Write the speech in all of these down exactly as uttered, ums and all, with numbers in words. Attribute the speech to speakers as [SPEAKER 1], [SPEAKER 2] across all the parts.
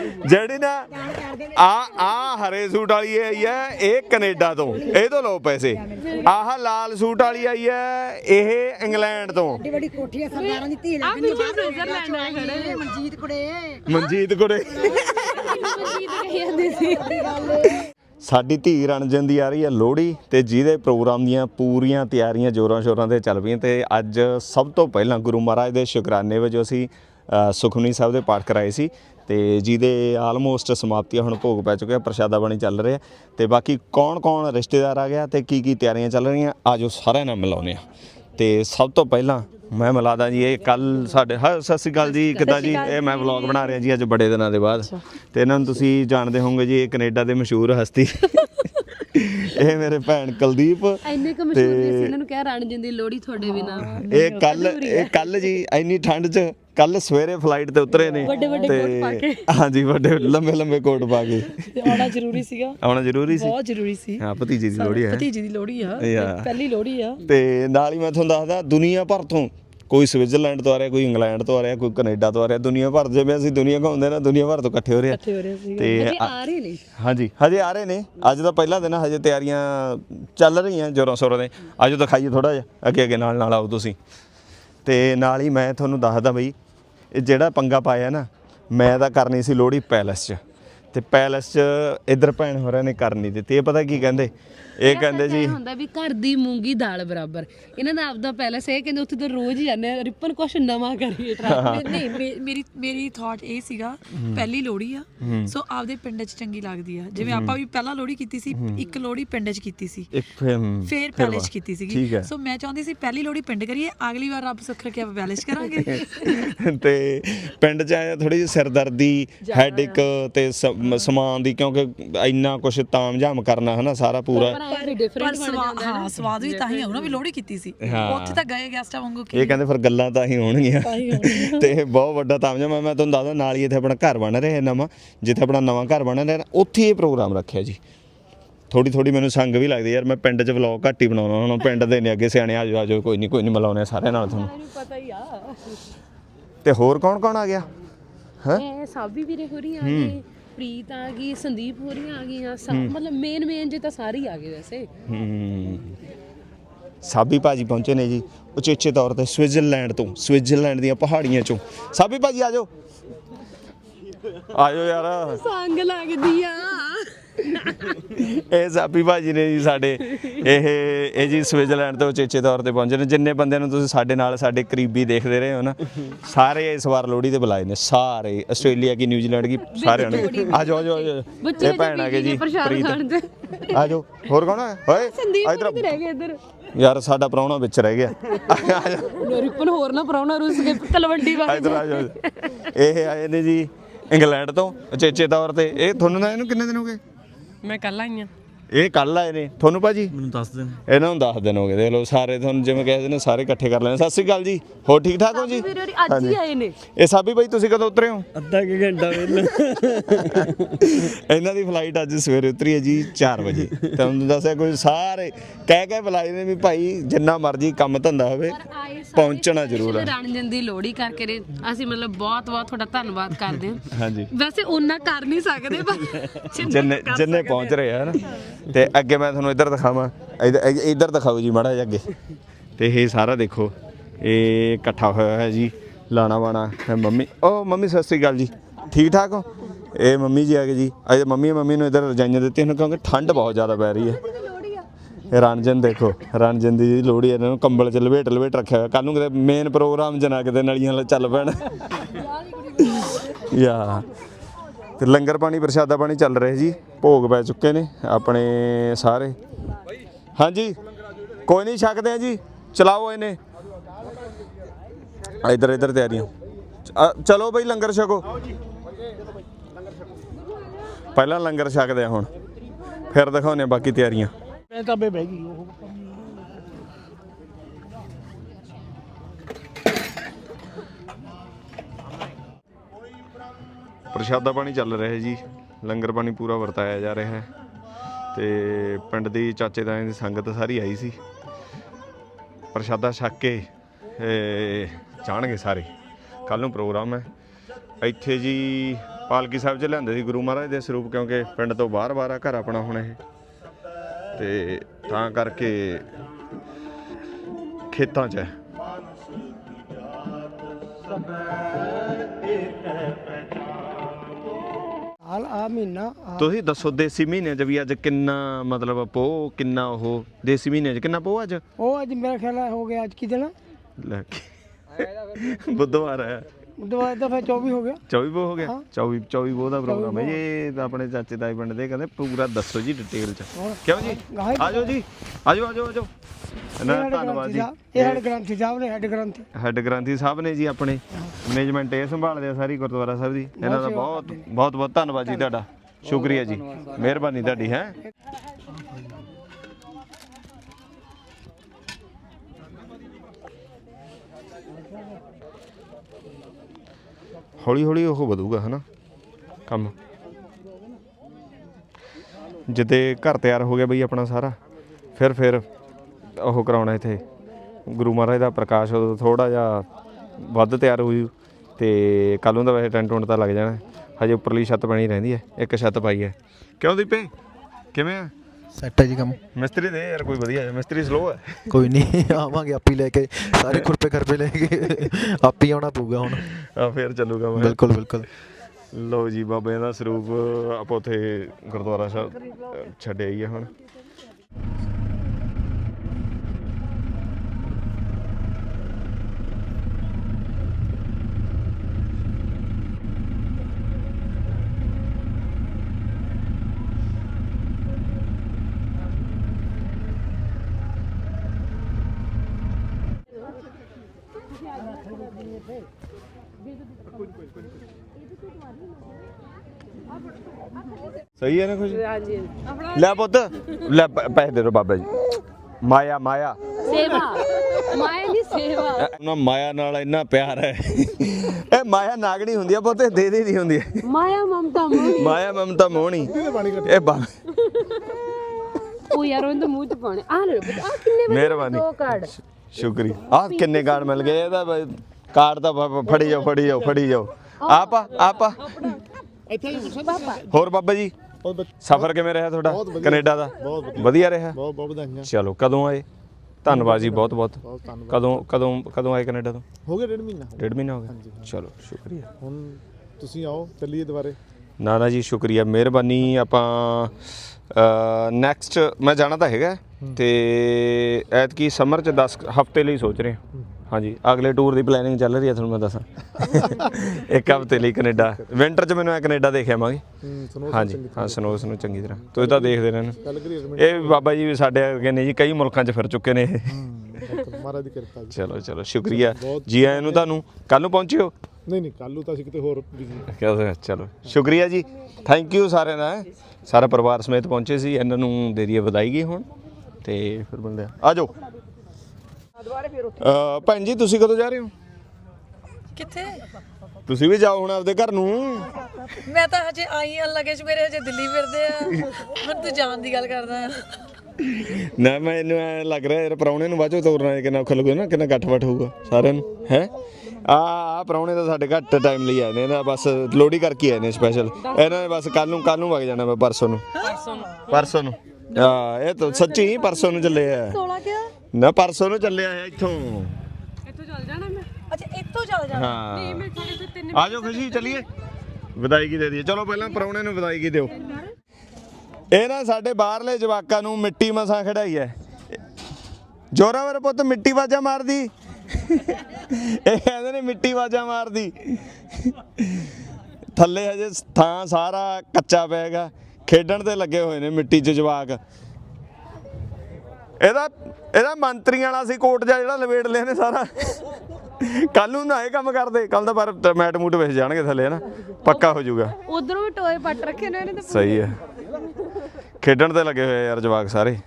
[SPEAKER 1] ਜਿਹੜੀ ਨਾ ਆ ਆ ਹਰੇ ਸੂਟ ਵਾਲੀ ਆਈ ਹੈ ਇਹ ਕੈਨੇਡਾ ਤੋਂ, ਇਹ ਤੋਂ ਲਓ ਪੈਸੇ। ਆਹ ਲਾਲ ਸੂਟ ਵਾਲੀ ਆਈ ਹੈ ਇਹ ਇੰਗਲੈਂਡ ਤੋਂ।
[SPEAKER 2] ਵੱਡੀ ਵੱਡੀ ਕੋਠੀਆਂ ਸਰਦਾਰਾਂ ਦੀ ਧੀ ਲੱਗਦੀ ਹੈ। ਸਵਿਟਜ਼ਰਲੈਂਡ ਆ ਖੜੇ ਮਨਜੀਤ ਕੁੜੇ
[SPEAKER 1] ਮਨਜੀਤ ਕੁੜੇ ਸਾਡੀ ਧੀ ਰਣਜਨ ਦੀ ਆ ਰਹੀ ਹੈ ਲੋਹੜੀ ਤੇ ਜਿਹਦੇ ਪ੍ਰੋਗਰਾਮ ਦੀਆਂ ਪੂਰੀਆਂ ਤਿਆਰੀਆਂ ਜ਼ੋਰਾਂ ਸ਼ੋਰਾਂ ਤੇ ਚੱਲ ਪਈਆਂ। ਤੇ ਅੱਜ ਸਭ ਤੋਂ ਪਹਿਲਾਂ ਗੁਰੂ ਮਹਾਰਾਜ ਦੇ ਸ਼ੁਕਰਾਨੇ ਵਜੋਂ ਅਸੀਂ ਸੁਖਮਨੀ ਸਾਹਿਬ ਦੇ ਪਾਠ ਕਰਾਏ ਸੀ ਤੇ ਜਿਹਦੇ ਆਲਮੋਸਟ ਸਮਾਪਤੀ ਹੁਣ ਭੋਗ ਪੈ ਚੁੱਕਿਆ, ਪ੍ਰਸ਼ਾਦਾ ਬਣੀ ਚੱਲ ਰਿਹਾ ਤੇ ਬਾਕੀ ਕੌਣ ਕੌਣ ਰਿਸ਼ਤੇਦਾਰ ਆ ਗਿਆ ਤੇ ਕੀ ਕੀ ਤਿਆਰੀਆਂ ਚੱਲ ਰਹੀਆਂ ਆਜੋ ਸਾਰਿਆਂ ਨਾਲ ਮਿਲਾਉਂਦੇ ਆ। ਤੇ ਸਭ ਤੋਂ ਪਹਿਲਾਂ ਮੈਂ ਮਿਲਾਦਾ ਜੀ ਇਹ ਕੱਲ ਸਾਡੇ ਹਾਂ ਸਤਿ ਸ਼੍ਰੀ ਅਕਾਲ ਜੀ, ਕਿੱਦਾਂ ਜੀ? ਇਹ ਮੈਂ ਵਲੌਗ ਬਣਾ ਰਿਹਾ ਜੀ ਅੱਜ ਬੜੇ ਦਿਨਾਂ ਦੇ ਬਾਅਦ ਤੇ ਇਹਨਾਂ ਨੂੰ ਤੁਸੀਂ ਜਾਣਦੇ ਹੋਵੋਗੇ ਜੀ, ਇਹ ਕੈਨੇਡਾ ਦੇ ਮਸ਼ਹੂਰ ਹਸਤੀ ਇਹ ਮੇਰੇ ਭੈਣ ਕੁਲਦੀਪ।
[SPEAKER 3] ਇੰਨੇ ਕੁ ਮਸ਼ਹੂਰ ਨੇ ਅਸੀਂ ਇਹਨਾਂ ਨੂੰ ਕਹਿ ਰਣਜਨ ਦੀ ਲੋਹੜੀ ਤੁਹਾਡੇ ਬਿਨਾ।
[SPEAKER 1] ਇਹ ਕੱਲ ਇਹ ਕੱਲ ਜੀ ਇੰਨੀ ਠੰਡ 'ਚ ਕੱਲ ਸਵੇਰੇ ਫਲਾਈਟ ਤੇ ਉਤਰੇ ਨੇ
[SPEAKER 3] ਵੱਡੇ ਵੱਡੇ ਕੋਟ ਪਾ ਕੇ।
[SPEAKER 1] ਹਾਂਜੀ ਵੱਡੇ ਲੰਬੇ ਲੰਬੇ ਕੋਟ ਪਾ ਕੇ
[SPEAKER 2] ਆਉਣਾ ਜ਼ਰੂਰੀ ਸੀਗਾ,
[SPEAKER 1] ਆਉਣਾ ਜ਼ਰੂਰੀ ਸੀ,
[SPEAKER 2] ਬਹੁਤ ਜ਼ਰੂਰੀ ਸੀ।
[SPEAKER 1] ਹਾਂ ਭਤੀਜੀ ਦੀ ਲੋਹੜੀ ਹੈ,
[SPEAKER 2] ਭਤੀਜੀ ਦੀ ਲੋਹੜੀ ਆ, ਪਹਿਲੀ ਲੋਹੜੀ ਆ।
[SPEAKER 1] ਤੇ ਨਾਲ ਹੀ ਮੈਂ ਤੁਹਾਨੂੰ ਦੱਸਦਾ ਦੁਨੀਆ ਭਰ ਤੋਂ ਕੋਈ ਸਵਿਟਜ਼ਰਲੈਂਡ ਤੋਂ ਆ ਰਿਹਾ, ਕੋਈ ਇੰਗਲੈਂਡ ਤੋਂ ਆ ਰਿਹਾ, ਕੋਈ ਕੈਨੇਡਾ ਤੋਂ ਆ ਰਿਹਾ, ਦੁਨੀਆ ਭਰ ਜਿਵੇਂ ਅਸੀਂ ਦੁਨੀਆ ਘੁੰਮਦੇ ਨਾ ਦੁਨੀਆ ਭਰ ਤੋਂ ਇਕੱਠੇ ਹੋ ਰਹੇ ਆ
[SPEAKER 3] ਤੇ ਆ ਰਹੇ ਨੇ।
[SPEAKER 1] ਹਾਂਜੀ ਹਜੇ ਆ ਰਹੇ ਨੇ, ਅੱਜ ਦਾ ਪਹਿਲਾ ਦਿਨ ਹਜੇ ਤਿਆਰੀਆਂ ਚੱਲ ਰਹੀਆਂ ਜ਼ੋਰਾਂ ਸ਼ੋਰਾਂ ਦੇ। ਅੱਜ ਦਿਖਾਈਏ ਥੋੜਾ ਜਿਹਾ ਅੱਗੇ ਅੱਗੇ ਨਾਲ ਨਾਲ ਆਓ ਤੁਸੀਂ। ਤੇ ਨਾਲ ਹੀ ਮੈਂ ਤੁਹਾਨੂੰ ਦੱਸਦਾ ਬਈ ਇਹ ਜਿਹੜਾ ਪੰਗਾ ਪਾਇਆ ਨਾ, ਮੈਂ ਤਾਂ ਕਰਨੀ ਸੀ ਲੋਹੜੀ ਪੈਲਸ 'ਚ ਤੇ ਪੈਲਸ 'ਚ ਇੱਧਰ ਭੈਣ ਹੋਰਾਂ ਨੇ ਕਰ ਨਹੀਂ ਦਿੱਤੀ। ਇਹ ਪਤਾ ਕੀ ਕਹਿੰਦੇ, ਇਹ ਕਹਿੰਦੇ ਜੀ
[SPEAKER 3] ਹੁੰਦਾ ਵੀ ਘਰ ਦੀ ਮੂੰਗੀ ਦਾਲ ਬਰਾਬਰ। ਇਹਨਾਂ ਦਾ ਆਪਦਾ ਪੈਲਸ ਇਹ ਕਹਿੰਦੇ ਉੱਥੇ ਤਾਂ ਰੋਜ਼ ਹੀ ਜਾਂਦੇ ਆ, ਰਿਪਨ ਕੁਛ ਨਵਾਂ ਕਰੀਏ।
[SPEAKER 2] ਨਹੀਂ ਮੇਰੀ ਮੇਰੀ ਥਾਟ ਇਹ ਸੀਗਾ ਪਹਿਲੀ ਲੋਹੜੀ ਆ ਸੋ ਆਪਦੇ ਪਿੰਡ 'ਚ ਚੰਗੀ ਲੱਗਦੀ ਆ। ਜਿਵੇਂ ਆਪਾਂ ਵੀ ਪਹਿਲਾਂ ਲੋਹੜੀ ਕੀਤੀ ਸੀ, ਇੱਕ ਲੋਹੜੀ ਪਿੰਡ 'ਚ ਕੀਤੀ ਸੀ,
[SPEAKER 1] ਇੱਕ
[SPEAKER 2] ਫੇਰ ਪੈਲਸ 'ਚ ਕੀਤੀ ਸੀਗੀ। ਸੋ ਮੈਂ ਚਾਹੁੰਦੀ ਸੀ ਪਹਿਲੀ ਲੋਹੜੀ ਪਿੰਡ ਕਰੀਏ, ਅਗਲੀ ਵਾਰ ਰੱਬ ਸੁੱਖ ਰੱਖਿਆ ਆਪਾਂ ਪੈਲਸ 'ਚ ਕਰਾਂਗੇ।
[SPEAKER 1] ਤੇ ਪਿੰਡ 'ਚ ਆਇਆ ਥੋੜੀ ਜਿਹੀ ਸਿਰਦਰਦੀ ਹੈਡਿਕ ਤੇ ਸਮਾਨ ਦੀ, ਕਿਉਂਕਿ ਇੰਨਾ ਕੁਛ ਤਾਮ-ਝਾਮ ਕਰਨਾ ਹਨਾ ਸਾਰਾ ਪੂਰਾ।
[SPEAKER 2] ਪਰ ਹਾਂ ਸਵਾਦ ਵੀ ਤਾਂ ਹੀ ਆਉਣਾ ਵੀ ਲੋਹੜੀ ਕੀਤੀ ਸੀ, ਉੱਥੇ ਤਾਂ ਗਏ ਗੈਸਟਾਂ ਵਾਂਗੂ।
[SPEAKER 1] ਇਹ ਕਹਿੰਦੇ ਫਿਰ ਗੱਲਾਂ ਤਾਂ ਹੀ ਹੋਣਗੀਆਂ ਤੇ ਇਹ ਬਹੁਤ ਵੱਡਾ ਤਾਮ-ਝਾਮ। ਮੈਂ ਤੁਹਾਨੂੰ ਦੱਸਦਾ ਨਾਲ ਹੀ ਇੱਥੇ ਆਪਣਾ ਘਰ ਬਣ ਰਿਹਾ ਨਵਾਂ, ਜਿੱਥੇ ਆਪਣਾ ਨਵਾਂ ਘਰ ਬਣ ਰਿਹਾ ਉੱਥੇ ਇਹ ਪ੍ਰੋਗਰਾਮ ਰੱਖਿਆ ਜੀ। ਥੋੜੀ ਥੋੜੀ ਮੈਨੂੰ ਸੰਗ ਵੀ ਲੱਗਦੀ ਯਾਰ, ਮੈਂ ਪਿੰਡ 'ਚ ਵਲੌਗ ਘੱਟ ਹੀ ਬਣਾਉਣਾ ਹੁਣ, ਪਿੰਡ ਦੇ ਨੇ ਅੱਗੇ ਸਿਆਣੇ ਆ ਜਾਓ ਆ ਜਾਓ ਕੋਈ ਨਹੀਂ ਕੋਈ ਨਹੀਂ ਮਿਲਾਉਂਦੇ ਸਾਰਿਆਂ ਨਾਲ ਤੁਹਾਨੂੰ
[SPEAKER 3] ਪਤਾ ਹੀ ਆ।
[SPEAKER 1] ਤੇ ਹੋਰ ਕੌਣ ਕੌਣ ਆ ਗਿਆ?
[SPEAKER 3] ਹਾਂ ਇਹ ਸਾਬੀ ਵੀਰੇ ਹੋ ਰਹੀ ਆ ਗਏ, ਪ੍ਰੀਤ ਆ ਗਈ, ਸੰਦੀਪ ਹੋ ਰਹੀਆਂ ਆ ਗਈਆਂ, ਮਤਲਬ ਮੇਨ ਮੇਨ ਜੇ ਤਾਂ ਸਾਰੇ ਹੀ ਆ ਗਏ ਵੈਸੇ।
[SPEAKER 1] ਹੂੰ ਸਾਬੀ ਭਾਜੀ ਪਹੁੰਚੇ ਨੇ ਜੀ ਉਚੇਚੇ ਤੌਰ ਤੇ ਸਵਿਟਜ਼ਰਲੈਂਡ ਤੋਂ, ਸਵਿਟਜ਼ਰਲੈਂਡ ਦੀਆਂ ਪਹਾੜੀਆਂ ਚੋਂ। ਸਾਬੀ ਭਾਜੀ ਆ ਜਾਓ ਆ ਜਾਓ ਯਾਰ,
[SPEAKER 3] ਸੰਗ ਲੱਗਦੀ ਆ।
[SPEAKER 1] ਇਹ ਸਾਬੀ ਭਾਜੀ ਨੇ ਜੀ ਸਾਡੇ, ਇਹ ਇਹ ਜੀ ਸਵਿਟਜ਼ਰਲੈਂਡ ਤੋਂ ਉਚੇਚੇ ਤੌਰ ਤੇ ਪਹੁੰਚੇ ਨੇ। ਜਿੰਨੇ ਬੰਦਿਆਂ ਨੂੰ ਤੁਸੀਂ ਸਾਡੇ ਨਾਲ ਸਾਡੇ ਕਰੀਬੀ ਦੇਖਦੇ ਰਹੇ ਹੋ ਨਾ, ਸਾਰੇ ਇਸ ਵਾਰ ਲੋਹੜੀ ਤੇ ਬੁਲਾਏ ਨੇ, ਸਾਰੇ ਆਸਟ੍ਰੇਲੀਆ ਕੀ ਨਿਊਜ਼ੀਲੈਂਡ ਕੀ ਸਾਰਿਆਂ ਨੇ। ਆ ਜਾਓ ਆ ਜਾਓ ਇਹ ਭੈਣ ਆ ਗਏ ਜੀ ਪ੍ਰੀਤ, ਆ ਜਾਓ। ਹੋਰ ਕੌਣ ਹੈ ਓਏ?
[SPEAKER 3] ਇੱਧਰ ਰਹਿ ਗਏ ਇੱਧਰ
[SPEAKER 1] ਯਾਰ ਸਾਡਾ ਪ੍ਰਾਹੁਣਾ ਵਿੱਚ ਰਹਿ ਗਿਆ।
[SPEAKER 3] ਰਿਪਨ ਹੋਰ ਨਾ ਪ੍ਰਾਹੁਣਾ ਰੁੱਸ ਕੇ ਤਲਵੰਡੀ ਵਾਲੇ।
[SPEAKER 1] ਇੱਧਰ ਆ ਜਾਓ। ਇਹ ਆਏ ਨੇ ਜੀ ਇੰਗਲੈਂਡ ਤੋਂ ਉਚੇਚੇ ਤੌਰ ਤੇ। ਇਹ ਤੁਹਾਨੂੰ ਨਾ ਇਹਨੂੰ ਕਿੰਨੇ ਦਿਨ ਹੋ ਗਏ?
[SPEAKER 3] ਮੈਂ ਕੱਲ ਆਈ ਆ।
[SPEAKER 1] ਇਹ ਕੱਲ ਆਏ ਨੇ। ਤੁਹਾਨੂੰ ਭਾਜੀ?
[SPEAKER 4] ਮੈਨੂੰ ਦੱਸ ਦਿਨ।
[SPEAKER 1] ਇਹਨਾਂ ਨੂੰ ਦਸ ਦਿਨ ਹੋ ਗਏ। ਦੇਖ ਲਓ ਸਾਰੇ ਤੁਹਾਨੂੰ ਜਿਵੇਂ ਕਹਿੰਦੇ ਨੇ ਸਾਰੇ ਇਕੱਠੇ ਕਰ ਲੈਣੇ। ਸਤਿ ਸ਼੍ਰੀ ਅਕਾਲ ਜੀ, ਹੋਰ ਠੀਕ ਠਾਕ ਹੋ ਜੀ?
[SPEAKER 3] ਅੱਜ ਹੀ ਆਏ ਨੇ
[SPEAKER 1] ਇਹ ਸਾਬੀ ਬਾਈ ਤੁਸੀਂ ਕਦੋਂ ਉਤਰੇ ਹੋ?
[SPEAKER 4] ਅੱਧਾ ਕਿ ਘੰਟਾ ਪਹਿਲਾਂ।
[SPEAKER 1] ਇਹਨਾਂ ਦੀ ਫਲਾਈਟ ਅੱਜ ਸਵੇਰੇ ਉਤਰੀ ਹੈ ਜੀ ਚਾਰ ਵਜੇ। ਤੁਹਾਨੂੰ ਦੱਸਿਆ ਕੋਈ ਸਾਰੇ ਕਹਿ ਕੇ ਬੁਲਾਏ ਨੇ ਵੀ ਭਾਈ ਜਿੰਨਾ ਮਰਜ਼ੀ ਕੰਮ ਧੰਦਾ ਹੋਵੇ ਪਹੁੰਚਣਾ ਜ਼ਰੂਰ ਹੈ।
[SPEAKER 3] ਰਣਜਨ ਦੀ ਲੋਹੜੀ ਕਰਕੇ ਨੇ ਅਸੀਂ ਮਤਲਬ ਬਹੁਤ ਬਹੁਤ ਤੁਹਾਡਾ ਧੰਨਵਾਦ ਕਰਦੇ ਹਾਂ।
[SPEAKER 1] ਹਾਂਜੀ
[SPEAKER 3] ਵੈਸੇ ਉਹਨਾਂ ਕਰ ਨਹੀਂ ਸਕਦੇ ਪਰ
[SPEAKER 1] ਜਿੰਨੇ ਜਿੰਨੇ ਪਹੁੰਚ ਰਹੇ ਆ ਨਾ। ਤੇ ਅੱਗੇ ਮੈਂ ਤੁਹਾਨੂੰ ਇੱਧਰ ਦਿਖਾਵਾਂ, ਇੱਧਰ ਦਿਖਾਓ ਜੀ ਮਾੜਾ ਜਿਹਾ ਅੱਗੇ। ਤੇ ਇਹ ਸਾਰਾ ਦੇਖੋ ਇਹ ਇਕੱਠਾ ਹੋਇਆ ਹੈ ਜੀ ਲਾਣਾ ਬਾਣਾ। ਮੰਮੀ ਉਹ ਮੰਮੀ ਸਤਿ ਸ਼੍ਰੀ ਅਕਾਲ ਜੀ, ਠੀਕ ਠਾਕ ਹੋ? ਇਹ ਮੰਮੀ ਜੀ ਆ ਗਏ ਜੀ। ਅਜੇ ਮੰਮੀ ਮੰਮੀ ਨੂੰ ਇੱਧਰ ਰਜਾਈਆਂ ਦਿੱਤੀਆਂ ਨੇ ਕਿਉਂਕਿ ਠੰਡ ਬਹੁਤ ਜ਼ਿਆਦਾ ਪੈ ਰਹੀ ਹੈ। ਇਹ ਰਣਜਨ ਦੇਖੋ, ਰਣਜਨ ਦੀ ਲੋਹੜੀ ਇਹਨਾਂ ਨੂੰ ਕੰਬਲ 'ਚ ਲਪੇਟ ਲਪੇਟ ਰੱਖਿਆ ਹੋਇਆ। ਕੱਲ੍ਹ ਨੂੰ ਕਿਤੇ ਮੇਨ ਪ੍ਰੋਗਰਾਮ 'ਚ ਨਾ ਕਿਤੇ ਨਲੀਆਂ ਚੱਲ ਪੈਣ ਯਾ। ਤੇ ਲੰਗਰ ਪਾਣੀ ਪ੍ਰਸ਼ਾਦਾ ਪਾਣੀ ਚੱਲ ਰਿਹਾ ਜੀ, ਭੋਗ ਪੈ ਚੁੱਕੇ ਨੇ ਆਪਣੇ ਸਾਰੇ। ਹਾਂਜੀ ਕੋਈ ਨਹੀਂ ਛਕਦੇ ਆ ਜੀ, ਚਲਾਓ ਇਹਨੇ ਇੱਧਰ ਇੱਧਰ ਤਿਆਰੀਆਂ। ਚਲੋ ਬਈ ਲੰਗਰ ਛਕੋ, ਪਹਿਲਾਂ ਲੰਗਰ ਛਕਦੇ ਆ, ਹੁਣ ਫਿਰ ਦਿਖਾਉਂਦੇ ਬਾਕੀ ਤਿਆਰੀਆਂ।
[SPEAKER 4] ਢਾਬੇ ਬਹਿ ਗਈ ਉਹ।
[SPEAKER 1] ਪ੍ਰਸ਼ਾਦਾ ਪਾਣੀ ਚੱਲ ਰਿਹਾ ਜੀ, ਲੰਗਰ ਪਾਣੀ ਪੂਰਾ ਵਰਤਾਇਆ ਜਾ ਰਿਹਾ ਹੈ। ਤੇ ਪਿੰਡ ਦੀ ਚਾਚੇ ਤਾਏ ਦੀ ਸੰਗਤ ਸਾਰੀ ਆਈ ਸੀ। ਪ੍ਰਸ਼ਾਦਾ ਛਕ ਕੇ ਜਾਣਗੇ ਸਾਰੇ, ਕੱਲ੍ਹ ਨੂੰ ਪ੍ਰੋਗਰਾਮ ਹੈ ਇੱਥੇ ਜੀ। ਪਾਲਕੀ ਸਾਹਿਬ 'ਚ ਲਿਆਂਦੇ ਸੀ ਗੁਰੂ ਮਹਾਰਾਜ ਦੇ ਸਰੂਪ, ਕਿਉਂਕਿ ਪਿੰਡ ਤੋਂ ਬਾਹਰ ਬਾਹਰ ਆ ਘਰ ਆਪਣਾ ਹੁਣ ਇਹ, ਤੇ ਤਾਂ ਕਰਕੇ ਖੇਤਾਂ 'ਚ ਹੈ।
[SPEAKER 5] ਹਾਲ ਆ ਮਹੀਨਾ
[SPEAKER 1] ਤੁਸੀਂ ਦੱਸੋ ਦੇਸੀ ਮਹੀਨੇ 'ਚ ਵੀ ਅੱਜ ਕਿੰਨਾ ਮਤਲਬ ਪੋ ਕਿੰਨਾ ਉਹ ਦੇਸੀ ਮਹੀਨੇ 'ਚ ਕਿੰਨਾ ਪੋ ਅੱਜ?
[SPEAKER 5] ਉਹ ਅੱਜ ਮੇਰਾ ਖਿਆਲ ਹੈ ਹੋ ਗਿਆ ਅੱਜ ਕੀ ਦਿਨ
[SPEAKER 1] ਲੈ ਕੇ ਬੁੱਧਵਾਰ ਹੈ,
[SPEAKER 5] ਦੁਬਾਰਾ ਤਾਂ ਫਿਰ ਚੌਵੀ ਹੋ ਗਿਆ।
[SPEAKER 1] ਚੌਵੀ ਬੋ ਹੋ ਗਿਆ।
[SPEAKER 5] ਹਾਂ।
[SPEAKER 1] ਚੌਵੀ ਚੌਵੀ ਬੋ ਦਾ ਪ੍ਰੋਗਰਾਮ ਹੈ ਜੀ। ਇਹ ਤਾਂ ਆਪਣੇ ਚਾਚੇ ਤਾਏ ਪਿੰਡ ਦੇ ਕਹਿੰਦੇ ਪੂਰਾ ਦੱਸੋ ਜੀ ਡਿਟੇਲ 'ਚ। ਕਿਉਂ ਜੀ?
[SPEAKER 5] ਗਾਹਕ
[SPEAKER 1] ਆਜੋ ਜੀ, ਆਜੋ ਆਜੋ ਆਜੋ। ਨਾ ਧੰਨਵਾਦ ਜੀ।
[SPEAKER 5] ਇਹ ਹੈਡ ਗ੍ਰੰਥੀ ਸਾਹਿਬ ਨੇ, ਹੈਡ ਗ੍ਰੰਥੀ
[SPEAKER 1] ਹੈੱਡ ਗ੍ਰੰਥੀ ਸਾਹਿਬ ਨੇ ਜੀ ਆਪਣੇ, ਮੈਨੇਜਮੈਂਟ ਇਹ ਸੰਭਾਲਦੇ ਆ ਸਾਰੀ ਗੁਰਦੁਆਰਾ ਸਾਹਿਬ ਦੀ। ਇਹਨਾਂ ਦਾ ਬਹੁਤ ਬਹੁਤ ਬਹੁਤ ਧੰਨਵਾਦ ਜੀ ਤੁਹਾਡਾ, ਸ਼ੁਕਰੀਆ ਜੀ, ਮਿਹਰਬਾਨੀ ਤੁਹਾਡੀ ਹੈ। ਹੌਲੀ ਹੌਲੀ ਉਹ ਵਧੂਗਾ ਹਨਾ ਕੰਮ। ਜਿੱਦੇ ਘਰ ਤਿਆਰ ਹੋ ਗਿਆ ਬਈ ਆਪਣਾ ਸਾਰਾ, ਫਿਰ ਫਿਰ ਉਹ ਕਰਾਉਣਾ ਇੱਥੇ ਗੁਰੂ ਮਹਾਰਾਜ ਦਾ ਪ੍ਰਕਾਸ਼, ਉਦੋਂ ਥੋੜਾ ਜਿਹਾ ਵੱਧ ਤਿਆਰ ਹੋਈ ਤੇ ਕੱਲ ਨੂੰ ਤਾਂ ਵੈਸੇ ਟੈਂਟ ਟੁੰਟ ਤਾਂ ਲੱਗ ਜਾਣਾ। ਹਜੇ ਉੱਪਰਲੀ ਛੱਤ ਬਣੀ ਰਹਿੰਦੀ ਹੈ, ਇੱਕ ਛੱਤ ਪਾਈ ਹੈ। ਕਿਉਂ ਦੀਪੇ ਕਿਵੇਂ ਆ?
[SPEAKER 6] ਸੈੱਟ ਹੈ ਜੀ ਕੰਮ।
[SPEAKER 1] ਮਿਸਤਰੀ ਦੇ ਯਾਰ ਕੋਈ ਵਧੀਆ, ਮਿਸਤਰੀ ਸਲੋ ਹੈ।
[SPEAKER 6] ਕੋਈ ਨਹੀਂ, ਆਵਾਂਗੇ ਆਪੀ ਲੈ ਕੇ, ਸਾਰੇ ਖੁਰਪੇ ਖਰਪੇ ਲੈ ਕੇ ਆਪੀ ਆਉਣਾ ਪਊਗਾ ਹੁਣ।
[SPEAKER 1] ਆ ਫੇਰ ਚੱਲੂਗਾ ਮੈਂ।
[SPEAKER 6] ਬਿਲਕੁਲ ਬਿਲਕੁਲ।
[SPEAKER 1] ਲਓ ਜੀ, ਬਾਬੇ ਦਾ ਸਰੂਪ ਆਪਾਂ ਉੱਥੇ ਗੁਰਦੁਆਰਾ ਸਾਹਿਬ ਛੱਡਿਆ ਹੀ ਆ ਹੁਣ। ਸਹੀ ਹੈ ਨਾ ਕੁਝ? ਲੈ ਪੁੱਤ ਲੈ ਪ- ਪੈਸੇ ਦੇ ਦੋ ਬਾਬਾ ਜੀ। ਮਾਇਆ ਮਾਇਆ
[SPEAKER 3] ਸੇਵਾ ਮਾਇਆ ਨਹੀਂ ਸੇਵਾ।
[SPEAKER 1] ਉਹਨਾਂ ਮਾਇਆ ਨਾਲ ਇੰਨਾ ਪਿਆਰ ਹੈ। ਇਹ ਮਾਇਆ ਨਾਗਣੀ ਹੁੰਦੀ ਆ ਪੁੱਤ, ਇਹ ਦੇ ਦੇ ਦੀ ਹੁੰਦੀ ਹੈ।
[SPEAKER 3] ਮਾਇਆ ਮਮਤਾ ਮੋਹ।
[SPEAKER 1] ਮਾਇਆ ਮਮਤਾ ਮੋਹਣੀ ਇਹ ਬਾ
[SPEAKER 3] ਉਹ ਯਾਰ ਉਹਦੇ ਮੂੰਹ ਚ ਪਾਣੇ ਆ ਲੈ ਆ ਕਿੰਨੇ ਬਣੇ?
[SPEAKER 1] ਮਿਹਰਬਾਨੀ।
[SPEAKER 3] ਦੋ ਕਾਰਡ।
[SPEAKER 1] ਸ਼ੁਕਰੀਆ। ਆਹ ਕਿੰਨੇ ਕਾਰਡ ਮਿਲ ਗਏ? ਇਹਦਾ ਬ- ਕਾਰਡ ਤਾਂ ਫ- ਫ- ਫੜੀ ਜਾਓ ਫੜੀ ਜਾਓ ਫੜੀ ਜਾਓ। ਆਪਾ ਆਪਾ ਹੋਰ ਬਾਬਾ ਜੀ ਸਫ਼ਰ ਕਿਵੇਂ ਰਿਹਾ ਤੁਹਾਡਾ ਕੈਨੇਡਾ ਦਾ? ਵਧੀਆ ਰਿਹਾ।
[SPEAKER 4] ਬਹੁਤ ਬਹੁਤ ਵਧਾਈਆਂ।
[SPEAKER 1] ਚਲੋ ਕਦੋਂ ਆਏ? ਧੰਨਵਾਦ ਜੀ ਬਹੁਤ ਬਹੁਤ।
[SPEAKER 4] ਬਹੁਤ ਧੰਨਵਾਦ।
[SPEAKER 1] ਕਦੋਂ ਕਦੋਂ ਕਦੋਂ ਆਏ ਕੈਨੇਡਾ ਤੋਂ?
[SPEAKER 4] ਹੋ ਗਿਆ ਡੇਢ ਮਹੀਨਾ।
[SPEAKER 1] ਡੇਢ ਮਹੀਨਾ ਹੋ ਗਿਆ। ਚਲੋ ਸ਼ੁਕਰੀਆ।
[SPEAKER 4] ਹੁਣ ਤੁਸੀਂ ਆਓ ਚੱਲੀਏ ਦੁਬਾਰੇ।
[SPEAKER 1] ਨਾ ਨਾ ਜੀ ਸ਼ੁਕਰੀਆ, ਮਿਹਰਬਾਨੀ। ਆਪਾਂ ਨੈਕਸਟ ਮੈਂ ਜਾਣਾ ਤਾਂ ਹੈਗਾ ਤੇ ਐਤਕੀ ਸਮਰ ਚ ਦਸ ਹਫ਼ਤੇ ਲਈ ਸੋਚ ਰਹੇ ਹਾਂ। ਹਾਂਜੀ ਅਗਲੇ ਟੂਰ ਦੀ ਪਲੈਨਿੰਗ ਚੱਲ ਰਹੀ ਹੈ, ਤੁਹਾਨੂੰ ਮੈਂ ਦੱਸਾਂ। ਇੱਕ ਹਫ਼ਤੇ ਲਈ ਕੈਨੇਡਾ, ਵਿੰਟਰ ਚ ਮੈਨੂੰ ਇਹ ਕੈਨੇਡਾ ਦੇਖ ਆਵਾਂਗੇ। ਹਾਂਜੀ ਹਾਂ, ਸਨੋ ਸਨੋ ਚੰਗੀ ਤਰ੍ਹਾਂ ਤੁਸੀਂ ਤਾਂ ਦੇਖਦੇ ਰਹਿਣਾ।
[SPEAKER 4] ਗੱਲ ਕਰੀਏ
[SPEAKER 1] ਇਹ ਵੀ ਬਾਬਾ ਜੀ ਵੀ ਸਾਡੇ ਅੱਗੇ ਨੇ ਜੀ, ਕਈ ਮੁਲਕਾਂ 'ਚ ਫਿਰ ਚੁੱਕੇ ਨੇ ਇਹ।
[SPEAKER 4] ਮਹਾਰਾਜ ਦੀ ਕਿਰਪਾ ਜੀ।
[SPEAKER 1] ਚਲੋ ਚਲੋ ਸ਼ੁਕਰੀਆ ਜੀ, ਆਇਆਂ ਨੂੰ ਤੁਹਾਨੂੰ। ਕੱਲ ਨੂੰ ਪਹੁੰਚਿਓ?
[SPEAKER 4] ਨਹੀਂ ਨਹੀਂ ਕੱਲ੍ਹ ਨੂੰ ਤਾਂ ਅਸੀਂ ਕਿਤੇ ਹੋਰ ਬਿਜ਼ੀ।
[SPEAKER 1] ਕਿਹਾ ਚਲੋ ਸ਼ੁਕਰੀਆ ਜੀ, ਥੈਂਕ ਯੂ ਸਾਰਿਆਂ ਦਾ। ਸਾਰਾ ਪਰਿਵਾਰ ਸਮੇਤ ਪਹੁੰਚੇ ਸੀ, ਇਹਨਾਂ ਨੂੰ ਦੇ ਦਈਏ ਵਧਾਈ ਹੁਣ ਤੇ ਫਿਰ ਮਿਲਦੇ ਆ। ਆ ਜਾਓ ਭੈਣ ਜੀ, ਤੁਸੀਂ ਕਦੋਂ ਜਾ ਰਹੇ ਹੋ?
[SPEAKER 2] ਕਿੱਥੇ?
[SPEAKER 1] ਤੁਸੀਂ ਵੀ ਜਾਓ ਹੁਣ ਆਪਦੇ ਘਰ ਨੂੰ।
[SPEAKER 2] ਮੈਂ ਤਾਂ ਹਜੇ ਆਈ ਆ, ਲਗੇਜ ਮੇਰੇ ਹਜੇ ਦਿੱਲੀ ਫਿਰਦੇ ਆ। ਹੁਣ ਤੂੰ ਜਾਣ ਦੀ ਗੱਲ ਕਰਦਾ ਆ।
[SPEAKER 1] ਨਾ ਮੈਨੂੰ ਐ ਲੱਗ ਰਿਹਾ ਯਾਰ ਪ੍ਰਾਹੁਣੇ ਨੂੰ ਬਾਅਦੋਂ ਤੋਰਨਾ ਕਿੰਨਾ ਔਖਾ ਲੱਗੂਗਾ ਨਾ, ਕਿੰਨਾ ਇਕੱਠ ਵੱਠ ਹੋਊਗਾ ਸਾਰਿਆਂ ਨੂੰ ਹੈ। ਆ ਆ ਪ੍ਰਾਹੁਣੇ ਤਾਂ ਸਾਡੇ ਘੱਟ ਟਾਈਮ ਲਈ ਆਏ ਨੇ, ਇਹਨਾਂ ਬਸ ਲੋਹੜੀ ਕਰਕੇ ਆਏ ਨੇ ਸਪੈਸ਼ਲ। ਇਹਨਾਂ ਨੇ ਬਸ ਕੱਲ ਨੂੰ ਕੱਲ ਨੂੰ ਵਗ ਜਾਣਾ, ਮੈਂ ਪਰਸੋਂ ਨੂੰ ਪਰਸੋਂ ਨੂੰ ਆ ਇਹ ਤਾਂ ਸੱਚੀ ਪਰਸੋਂ ਨੂੰ ਚੱਲੇ ਆ।
[SPEAKER 2] ਸੋਲਾ ਕਿਆ?
[SPEAKER 1] ਨਾ ਪਰਸੋਂ ਨੂੰ ਚੱਲੇ ਆ ਇੱਥੋਂ।
[SPEAKER 3] ਇੱਥੋਂ ਚੱਲ ਜਾਣਾ ਮੈਂ।
[SPEAKER 2] ਅੱਛਾ ਇੱਥੋਂ ਚੱਲ ਜਾਣਾ।
[SPEAKER 1] ਹਾਂ
[SPEAKER 3] ਮੈਂ ਸਾਡੇ ਤੋਂ ਤਿੰਨ
[SPEAKER 1] ਆ ਜਾਓ ਖੁਸ਼ੀ, ਚੱਲੀਏ ਵਧਾਈ ਕੀ ਦੇ ਦਈਏ। ਚਲੋ ਪਹਿਲਾਂ ਪ੍ਰਾਹੁਣੇ ਨੂੰ ਵਧਾਈ ਕੀ ਦਿਓ। ਇਹ ਨਾ ਸਾਡੇ ਬਾਹਰਲੇ ਜਵਾਕਾਂ ਨੂੰ ਮਿੱਟੀ ਮਸਾਂ ਖੜਾਈ ਐ। ਜੋਰਾਵਰ ਪੁੱਤ ਮਿੱਟੀ ਵਾਜਾ ਮਾਰਦੀ। ਇਹ ਕਹਿੰਦੇ ਨੇ ਮਿੱਟੀ ਵਾਜਾ ਮਾਰਦੀ। ਥੱਲੇ ਹਜੇ ਥਾਂ ਸਾਰਾ ਕੱਚਾ ਪੈਗਾ, ਖੇਡਣ ਤੇ ਲੱਗੇ ਹੋਏ ਨੇ ਮਿੱਟੀ 'ਚ ਜਵਾਕ। ਇਹਦਾ ਇਹਦਾ ਮੰਤਰੀਆਂ ਵਾਲਾ ਸੀ ਕੋਟ ਜਿਹਾ ਜਿਹੜਾ ਲਵੇੜ ਲਿਆ ਨੇ ਸਾਰਾ। ਕੱਲ ਨੂੰ ਨਾ ਇਹ ਕੰਮ ਕਰਦੇ, ਕੱਲ ਦਾ ਪਰ ਮੈਟ ਮੂਟ ਵਿਛ ਜਾਣਗੇ ਥੱਲੇ ਨਾ, ਪੱਕਾ ਹੋ ਜਾਊਗਾ।
[SPEAKER 3] ਉਧਰੋਂ ਵੀ ਟੋਏ ਪੱਟ ਰੱਖੇ ਨੇ ਇਹਨੇ ਤੇ।
[SPEAKER 1] ਸਹੀ ਹੈ, ਖੇਡਣ ਤੇ ਲੱਗੇ ਹੋਏ ਯਾਰ ਜਵਾਕ ਸਾਰੇ।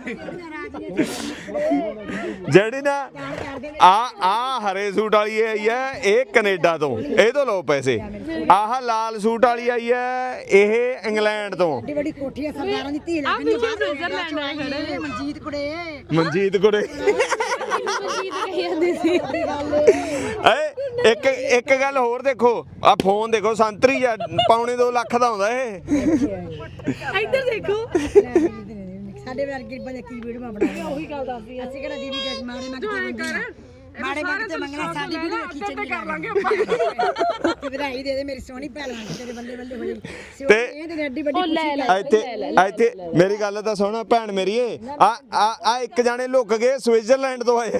[SPEAKER 1] ਜਿਹੜੀ ਨਾ ਆ ਆ ਹਰੇ ਸੂਟ ਵਾਲੀ ਆਈ ਹੈ, ਇਹ ਕੈਨੇਡਾ ਤੋਂ, ਇਹ ਤੋਂ ਲਓ ਪੈਸੇ। ਆਹ ਲਾਲ ਸੂਟ ਵਾਲੀ ਆਈ ਹੈ, ਇਹ ਇੰਗਲੈਂਡ ਤੋਂ।
[SPEAKER 7] ਵੱਡੀ ਵੱਡੀ ਕੋਠੀਆਂ ਸਰਦਾਰਾਂ ਦੀ ਧੀ
[SPEAKER 3] ਆ
[SPEAKER 7] ਲੱਗਦੀ
[SPEAKER 3] ਪਿੱਛੇ ਸਵਿਟਜ਼ਰਲੈਂਡ ਨਾਲ ਖੜੇ ਨੇ।
[SPEAKER 7] ਮਨਜੀਤ ਕੁੜੇ
[SPEAKER 1] ਮਨਜੀਤ ਕੁੜੇ
[SPEAKER 3] ਮਨਜੀਤ ਕਹੀ ਜਾਂਦੀ ਸੀ।
[SPEAKER 1] ਏ ਇੱਕ ਇੱਕ ਗੱਲ ਹੋਰ ਦੇਖੋ, ਆ ਫੋਨ ਦੇਖੋ ਸੰਤਰੀ ਆ, ਪੌਣੇ ਦੋ ਲੱਖ ਦਾ ਆਉਂਦਾ ਇਹ।
[SPEAKER 2] ਇੱਧਰ ਦੇਖੋ
[SPEAKER 7] ਸਾਡੇ ਵਰਗੇ ਬੰਦੇ ਕੀ ਵੀਡੀਓ ਬਣਾਉਂਦੇ ਉਹੀ ਗੱਲ ਦੱਸਦੀ ਅਸੀਂ ਕਿਹੜਾ ਦੀਦੀ ਦੇ ਮਾੜੇ ਮੰਗ ਤੇ ਮਾੜੇ ਮੰਗ ਤੇ ਮੰਗਣਾ ਸਾਡੀ ਵੀਡੀਓ ਖਿੱਚਣੀ ਕਰ ਲਾਂਗੇ ਆਪਾਂ ਤੇ ਵਧਾਈ ਦੇ ਦੇ ਮੇਰੀ ਸੋਹਣੀ ਭੈਣ ਤੇਰੇ ਬੱਲੇ ਬੱਲੇ ਹੋਈ
[SPEAKER 1] ਤੇ
[SPEAKER 7] ਇਹ ਤੇ ਐਡੀ ਵੱਡੀ ਖੁਸ਼ੀ
[SPEAKER 1] ਇੱਥੇ ਇੱਥੇ ਮੇਰੀ ਗੱਲ ਤਾਂ ਸੁਣ ਭੈਣ ਮੇਰੀ ਏ, ਆ ਆ ਆ ਇੱਕ ਜਾਣੇ ਲੁੱਕ ਗਏ ਸਵਿਟਜ਼ਰਲੈਂਡ ਤੋਂ ਆਏ।